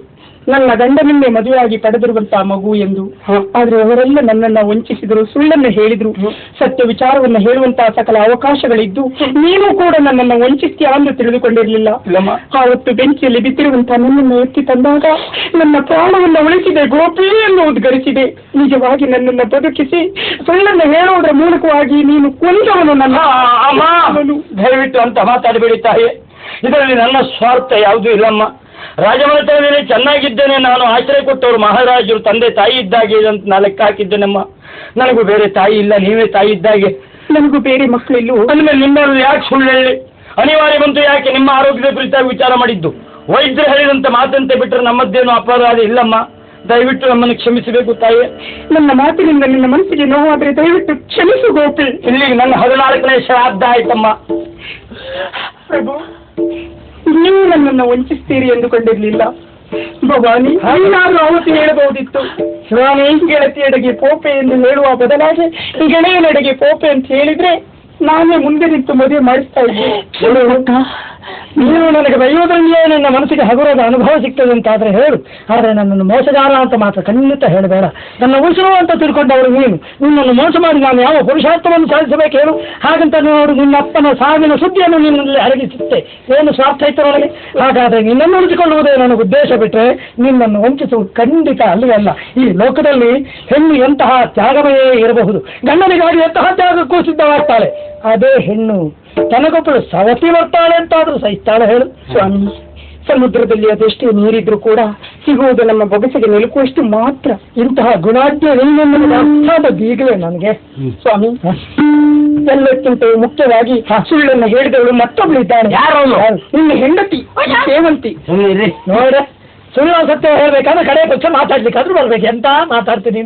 ನನ್ನ ಗಂಡನನ್ನೇ ಮದುವೆಯಾಗಿ ಪಡೆದಿರುವಂತಹ ಮಗು ಎಂದು. ಆದ್ರೆ ಅವರೆಲ್ಲ ನನ್ನನ್ನ ವಂಚಿಸಿದರು, ಸುಳ್ಳನ್ನು ಹೇಳಿದ್ರು. ಸತ್ಯ ವಿಚಾರವನ್ನು ಹೇಳುವಂತಹ ಸಕಲ ಅವಕಾಶಗಳಿದ್ದು ನೀನು ಕೂಡ ನನ್ನನ್ನು ವಂಚಿಸ್ತೀಯ ಎಂದು ತಿಳಿದುಕೊಂಡಿರಲಿಲ್ಲ. ಆವತ್ತು ಬೆಂಕಿಯಲ್ಲಿ ಬಿದ್ದಿರುವಂತಹ ನನ್ನನ್ನು ಎತ್ತಿ ತಂದಾಗ ನನ್ನ ಪ್ರಾಣವನ್ನು ಉಳಿಸಿದೆ ಗೋಪಿ ಎಂದು ಉದ್ಗರಿಸಿದೆ. ನಿಜವಾಗಿ ನನ್ನನ್ನು ಬದುಕಿಸಿ ಸುಳ್ಳನ್ನು ಹೇಳುವುದರ ಮೂಲಕವಾಗಿ ನೀನು ಕೊಂದವನು. ನನ್ನ
ದಯವಿಟ್ಟು ಅಂತ ಮಾತಾಡಬೇಡಿ ತಾಯಿ, ಇದರಲ್ಲಿ ನನ್ನ ಸ್ವಾರ್ಥ ಯಾವುದೂ ಇಲ್ಲಮ್ಮ. ರಾಜಮನೆತನದಲ್ಲಿ ಚೆನ್ನಾಗಿದ್ದೇನೆ, ನಾನು ಆಶ್ರಯ ಕೊಟ್ಟವರು ಮಹಾರಾಜರು ತಂದೆ ತಾಯಿ ಇದ್ದಾಗೆ ಅಂತ ನಾ ಲೆಕ್ಕ ಹಾಕಿದ್ದೇನಮ್ಮ. ನನಗೂ ಬೇರೆ ತಾಯಿ ಇಲ್ಲ, ನೀವೇ ತಾಯಿ ಇದ್ದಾಗೆ.
ನನಗೂ ಬೇರೆ ಮಕ್ಕಳಿಲ್ಲ.
ಅಂದಮೇಲೆ ನಿಮ್ಮವರು ಯಾಕೆ ಸುಳ್ಳು ಹೇಳಿ ಅನಿವಾರ್ಯ ಬಂತು? ಯಾಕೆ ನಿಮ್ಮ ಆರೋಗ್ಯದ ಕುರಿತಾಗಿ ವಿಚಾರ ಮಾಡಿದ್ದು ವೈದ್ಯರು ಹೇಳಿದಂತೆ ಮಾತಂತೆ ಬಿಟ್ಟರೆ ನಮ್ಮದ್ದೇನು ಅಪರಾಧ ಇಲ್ಲಮ್ಮ. ದಯವಿಟ್ಟು ನಮ್ಮನ್ನು ಕ್ಷಮಿಸಬೇಕು ತಾಯಿ.
ನನ್ನ ಮಾತಿನಿಂದ ನಿನ್ನ ಮನಸ್ಸಿಗೆ ನೋವಾದ್ರೆ ದಯವಿಟ್ಟು ಕ್ಷಮಿಸು ಗೋಪಿ.
ಇಲ್ಲಿಗೆ ನನ್ನ ಹದಿನಾಲ್ಕನೇ ಶ್ರಾದ್ದ ಆಯ್ತಮ್ಮ.
ಪ್ರಭು, ನೀವು ನನ್ನನ್ನು ವಂಚಿಸ್ತೀರಿ ಎಂದುಕೊಂಡಿರ್ಲಿಲ್ಲ. ಭವಾನಿ, ನೀನಾದ್ರೂ ಅವತ್ತು ಹೇಳಬಹುದಿತ್ತು, ಸ್ವಾಮಿ ಗೆಳತಿಯೆಡೆಗೆ ಪೋಪೆ ಎಂದು ಹೇಳುವ ಬದಲಾಗಿ ಗೆಳೆಯನೆಡೆಗೆ ಪೋಪೆ ಅಂತ ಹೇಳಿದ್ರೆ ನಾನೇ ಮುಂದೆ ನಿಂತು ಮದುವೆ ಮಾಡಿಸ್ತಾ ಇದ್ದೆ.
ನೀನು ನನಗೆ ಬೈಯೋದ್ರಲ್ಲಿಯೇ ನನ್ನ ಮನಸ್ಸಿಗೆ ಹಗುರದ ಅನುಭವ ಸಿಗ್ತದೆ ಅಂತಾದ್ರೆ ಹೇಳು, ಆದರೆ ನನ್ನನ್ನು ಮೋಸಗಾರ ಅಂತ ಮಾತ್ರ ಖಂಡಿತ ಹೇಳಬೇಡ. ನನ್ನ ಉಸಿರು ಅಂತ ತಿಳ್ಕೊಂಡವರು ನೀನು. ನಿನ್ನನ್ನು ಮೋಸ ಮಾಡಿ ನಾನು ಯಾವ ಪುರುಷಾರ್ಥವನ್ನು ಸಾಧಿಸಬೇಕು ಹೇಳು? ಹಾಗಂತ ನೋಡು, ನಿನ್ನ ಅಪ್ಪನ ಸಾವಿನ ಸುದ್ದಿಯನ್ನು ನಿನ್ನಲ್ಲಿ ಅಡಗಿಸುತ್ತೆ. ಏನು ಸ್ವಾರ್ಥ ಇತ್ತು ನನಗೆ? ಹಾಗಾದ್ರೆ ನಿನ್ನನ್ನು ಉಳಿಸಿಕೊಳ್ಳುವುದೇ ನನಗೆ ಉದ್ದೇಶ ಬಿಟ್ಟರೆ ನಿನ್ನನ್ನು ವಂಚಿಸುವುದು ಖಂಡಿತ ಅಲ್ಲಿ ಅಲ್ಲ. ಈ ಲೋಕದಲ್ಲಿ ಹೆಣ್ಣು ಎಂತಹ ತ್ಯಾಗಮಯೇ ಇರಬಹುದು, ಗಂಡನಿಗಾಗಿ ಎಂತಹ ತ್ಯಾಗಕ್ಕೂ ಸಿದ್ಧವಾಗ್ತಾಳೆ. ಅದೇ ಹೆಣ್ಣು ತನಗೊಬ್ಬಳು ಸವತಿ ಬರ್ತಾಳೆ ಅಂತಾದ್ರೂ ಸಹಿಸ್ತಾಳೆ ಹೇಳು?
ಸ್ವಾಮಿ, ಸಮುದ್ರದಲ್ಲಿ ಅದೆಷ್ಟೇ ನೀರಿದ್ರು ಕೂಡ ಸಿಗುವುದು ನಮ್ಮ ಬೊಗಸೆಗೆ ನಿಲುಕುವಷ್ಟು ಮಾತ್ರ.
ಇಂತಹ ಗುಣಾಢ್ಯ ಹೆಣ್ಣೆನ್ನುವುದು ಅರ್ಥಾದ ಬೀಗವೇ ನನಗೆ.
ಸ್ವಾಮಿ, ಎಲ್ಲಕ್ಕಿಂತ ಮುಖ್ಯವಾಗಿ ಸುಳ್ಳನ್ನು ಹೇಳಿದವಳು ಮತ್ತೊಬ್ಳು ಇದ್ದಾಳೆ.
ಯಾರು?
ನಿನ್ನ ಹೆಂಡತಿ ಸೇವಂತಿ.
ನೋಡ, ಸುಳ್ಳು ಸತ್ಯ ಹೇಳ್ಬೇಕಾದ್ರೆ ಕಡೆ ಪಕ್ಷ ಮಾತಾಡ್ಲಿಕ್ಕಾದ್ರೂ ಬರ್ಬೇಕು. ಎಂತ ಮಾತಾಡ್ತೀನಿ?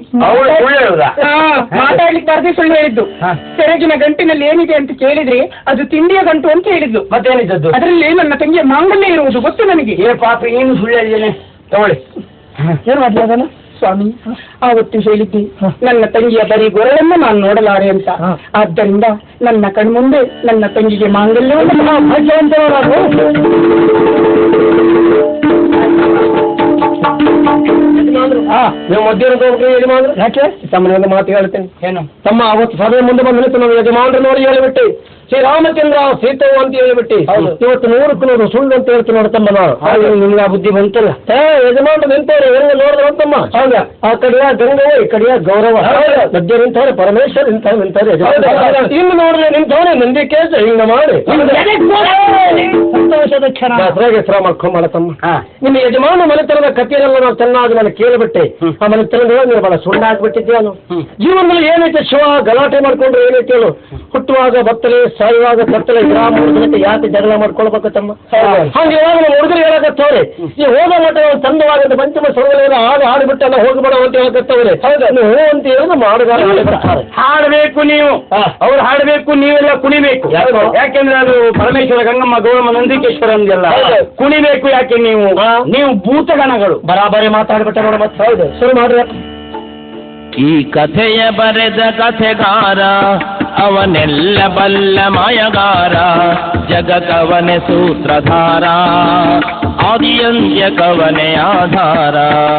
ಮಾತಾಡ್ಲಿಕ್ಕೆ ಬರ್ದೆ ಸುಳ್ಳು ಹೇಳಿದ್ದು. ಸೆರಗಿನ ಗಂಟಿನಲ್ಲಿ ಏನಿದೆ ಅಂತ ಕೇಳಿದ್ರೆ ಅದು ತಿಂಡಿಯ ಗಂಟು ಅಂತ ಹೇಳಿದ್ದು.
ಮತ್ತೇನಿದ್ದದ್ದು?
ಅದರಲ್ಲಿ ನನ್ನ ತಂಗಿಯ ಮಾಂಗಲ್ಯ ಇರುವುದು ಗೊತ್ತು ನನಗೆ.
ಏ ಪಾಪ, ಏನು ಸುಳ್ಳು ಹೇಳಿದ್ದೇನೆ, ತಗೊಳ್ಳಿ.
ಏನ್ ಮಾಡ್ಲಿ ಅದನ್ನು?
ಸ್ವಾಮಿ, ಆವತ್ತು ಹೇಳಿದ್ದೆ ನನ್ನ ತಂಗಿಯ ಬರೀ ಗೊರಳನ್ನು ನಾನು ನೋಡಲಾರೆ ಅಂತ. ಆದ್ದರಿಂದ ನನ್ನ ಕಣ್ಮುಂದೆ ನನ್ನ ತಂಗಿಗೆ ಮಾಂಗಲ್ಯವನ್ನು
ಭಾಗ್ಯವಂತರಾದ್ರು.
ನೀವು ಮಧ್ಯಾಹ್ನದ ಯಜಮಾನ್ರು
ಯಾಕೆ?
ತಮ್ಮನೆ ಒಂದು ಮಾತು ಹೇಳ್ತೇನೆ.
ಏನು?
ತಮ್ಮ ಅವತ್ತು ಸಭೆ ಮುಂದೆ ಬಂದು ನಿಂತು ನಾವು ಯಜಮಾನ್ರು ನೋಡಿ ಹೇಳಿಬಿಟ್ಟೆ ಶ್ರೀರಾಮಚಂದ್ರ ಸೀತವು ಅಂತ ಹೇಳಿಬಿಟ್ಟು ಇವತ್ತು ನೂರಕ್ಕೂ ನೂರು ಸುಳ್ಳು ಅಂತ ಹೇಳ್ತೀನಿ ನೋಡಿ ತಮ್ಮ. ನಾವು ನಿಮ್ಗೆ ಆ ಬುದ್ಧಿ ಬಂತಲ್ಲ. ಏ ಯಜಮಾನ್ರು ನಿಂತವ್ರೆ, ಹೆಂಗೆ ನೋಡಿದ್ರು ಅಂತಮ್ಮ. ಹೌದಾ? ಆ ಕಡೆಯ ಗಂಗವ, ಈ ಕಡೆಯ ಗೌರವ. ಮಧ್ಯ ನಿಂತವ್ರೆ ಪರಮೇಶ್ವರ್, ನಿಂತವ್ರೆ ನಿಂತವ್ರೆ ಇನ್ನು ನೋಡ್ರೆ ನಿಂತವ್ರೆ ನಂದಿ ಕೇಸ ಹಿಂಗ ಮಾಡಿ
ಸಂತೋಷದ ಕ್ಷಣ
ಹೆಸರ ಮಾಡ್ಕೊಂಬಲ್ಲ ತಮ್ಮ. ನಿಮ್ಮ ಯಜಮಾನ ಮನೆತನದ ಕಥೆಯನ್ನೆಲ್ಲ ನಾವು ಚೆನ್ನಾಗಿ ನಾನು ಕೇಳಿಬಿಟ್ಟೆ. ಆ ಮನೆತನದ ನೀವು ಬಹಳ ಸುಳ್ಳು ಹಾಕ್ಬಿಟ್ಟಿದ್ದೆ. ನಾನು ಜೀವನದಲ್ಲಿ ಏನೈತೆ ಶಿವ ಗಲಾಟೆ ಮಾಡ್ಕೊಂಡ್ರೆ ಏನೈತೆ ಹೇಳು? ಹುಟ್ಟುವಾಗ ಬತ್ತಲೆ, ಸಾಯುವಾಗ ಕತ್ತಲೆ, ಗ್ರಾಮ ಹುಡುಗನಕ್ಕೆ ಯಾಕೆ ಜಗಳ ಮಾಡ್ಕೊಳ್ಬೇಕು ತಮ್ಮ? ಹಂಗೆ ಇವಾಗ ನಮ್ಮ ಹುಡುಗರು ಹೇಳಕತ್ತವ್ರೆ, ಈ ಹೋದ ಮಠ ತಂದವಾಗಂತ ಪಂಚಮ ಸ್ವರ್ಗದ ಹಾಡು ಹಾಡಿಬಿಟ್ಟೆಲ್ಲ ಹೋಗ್ಬೇಡ ಅಂತ ಹೇಳಕತ್ತವ್ರೆ. ಹೌದಾ? ಹೋ ಅಂತ ಹೇಳಿದ್ರೆ ಮಾಡುಗಾರ ಹಾಡಬೇಕು ನೀವು, ಅವ್ರು ಹಾಡಬೇಕು, ನೀವೆಲ್ಲ ಕುಣಿಬೇಕು. ಯಾಕೆಂದ್ರೆ ಅದು ಪರಮೇಶ್ವರ, ಗಂಗಮ್ಮ, ಗೌರಮ್ಮ, ನಂದಿಕೇಶ್ವರ ಅಂದೆಲ್ಲ ಕುಣಿಬೇಕು. ಯಾಕೆ ನೀವು ನೀವು ಭೂತಗಣಗಳು. ಬರಾಬರಿ ಮಾತಾಡ್ಬಿಟ್ಟೆ ನೋಡ. ಮತ್ತೆ ಹೌದು, ಶುರು ಮಾಡ್ರಿ.
ಈ ಕಥೆಯ ಬರೆದ ಕಥೆಗಾರ ಅವನೆಲ್ಲ ಬಲ್ಲ ಮಾಯಗಾರ, ಜಗಕವನೆ ಸೂತ್ರಧಾರ, ಆದಿಯಂತ್ಯ ಕವನೆ ಆಧಾರ.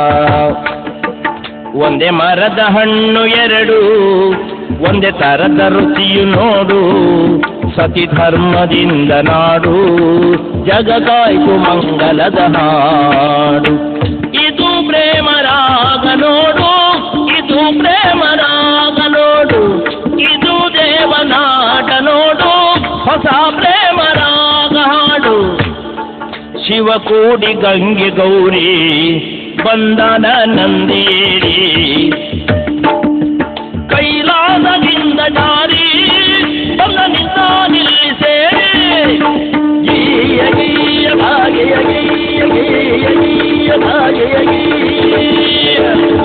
ಒಂದೇ ಮರದ ಹಣ್ಣು ಎರಡು, ಒಂದೇ ತರದ ರುಚಿಯು ನೋಡು, ಸತಿ ಧರ್ಮದಿಂದ ನಾಡು, ಜಗಕಾಯ್ತು ಮಂಗಲದ ಹಾಡು. ಇದು ಪ್ರೇಮ ರಾಗ ನೋಡು, ಇದು ಪ್ರೇಮ ರಾಗ ನೋಡು, ಇದು ದೇವನಾಟ ನೋಡು, ಹೊಸ ಪ್ರೇಮ ರಾಗ ಹಾಡು. ಶಿವ ಕೂಡಿ ಗಂಗೆ ಗೌರಿ ಬಂದನ ನಂದಿಯೇರಿ, ಕೈಲಾಸದಿಂದ ಜಾರಿ ಬಂದನಿಂದ ನಿಲ್ಲಿಸೇ, ಗೀಯ ಗೀಯ ಭಾಗ್ಯ ಗೀಯ ಗೀಯ ಗೀಯ ಭಾಗ್ಯ ಗೀಯ.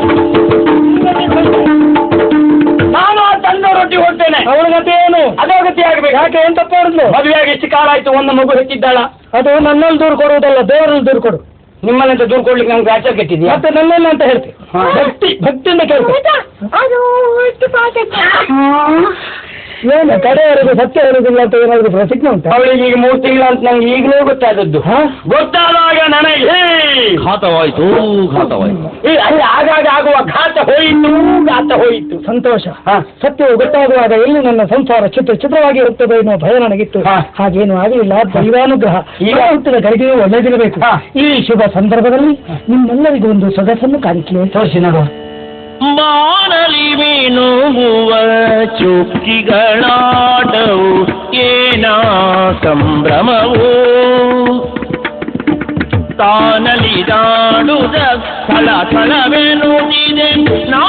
ನಾನು ಆ ತಂದ ರೊಟ್ಟಿ ಹೊಟ್ಟೇನೆ, ಅವಳ ಗತಿ ಏನು? ಅದೇ ಗತಿ ಆಗ್ಬೇಕು. ಯಾಕೆ? ಏನ್ ತಪ್ಪ ಹೇಳಿದ್ಲು? ಮದುವೆಯಾಗಿ ಎಷ್ಟು ಕಾಲ ಆಯ್ತು, ಒಂದು ಮಗು ಹೆಚ್ಚಿದ್ದಾಳ.
ಅದು ನನ್ನಲ್ಲಿ ದೂರು ಕೊಡುವುದಲ್ಲ, ದೇವರಲ್ಲಿ ದೂರು ಕೊಡು.
ನಿಮ್ಮಲ್ಲಂತ ದೂರು ಕೊಡ್ಲಿಕ್ಕೆ ನಮ್ಗೆ ಆಚಾರ ಕೆಟ್ಟಿದ್ಯಾ?
ಮತ್ತೆ ನನ್ನೆಲ್ಲ ಅಂತ ಹೇಳ್ತೀವಿ. ಭಕ್ತಿ ಭಕ್ತಿಯಿಂದ ಕೇಳ್ತೀವಿ. ಏನು ಕಡೆಯವರೆಗೂ ಸತ್ಯ ಹೇಳುದಿಲ್ಲ ಅಂತ ಏನಾದ್ರು ಪ್ರತಿಜ್ಞೆ ಉಂಟು?
ಅವಳಿಗೆ ಈಗ ಮೂರು ತಿಂಗಳು ಅಂತ ನಂಗೆ ಈಗಲೇ ಗೊತ್ತಾದದ್ದು. ಗೊತ್ತಾದಾಗ ನನಗೆ ಹೇ
ಘಾತವಾಯ್ತು ಘಾತವಾಯ್ತು.
ಈ ಅಲ್ಲಿ ಆಗಾಗ ಆಗುವ ಘಾತ ಹೋಯಿತು ಘಾತ ಹೋಯಿತು.
ಸಂತೋಷ.
ಹಾ.
ಸತ್ಯವು ಗೊತ್ತಾಗುವಾಗ ಎಲ್ಲಿ ನನ್ನ ಸಂಸಾರ ಚಿತ್ರ ಚಿತ್ರವಾಗಿ ಇರುತ್ತದೆ ಎನ್ನುವ ಭಯ ನನಗಿತ್ತು.
ಹಾ.
ಹಾಗೇನು ಆಗಲಿಲ್ಲ. ದೈವಾನುಗ್ರಹ. ಈಗ ಹುಟ್ಟಿದ ಗಳಿಗೆಯೂ ಒಳ್ಳೆದಿರಬೇಕು.
ಹಾ.
ಈ ಶುಭ ಸಂದರ್ಭದಲ್ಲಿ ನಿಮ್ಮೆಲ್ಲರಿಗೂ ಒಂದು ಸೊಗಸನ್ನು ಕಾಣಿಕೆ
ತೋರಿಸಿ ನೋಡುವ.
ಬಾನಲಿ ಮೀನುಗುವ ಚುಕ್ಕಿಗಳಾಟವು ಏನ ಸಂಭ್ರಮವು ತಾನಲಿ ದಾಡುದ ಸ್ಥಳ ಸ್ಥಳವೆನ್ನುತ್ತಿದೆ ನಾ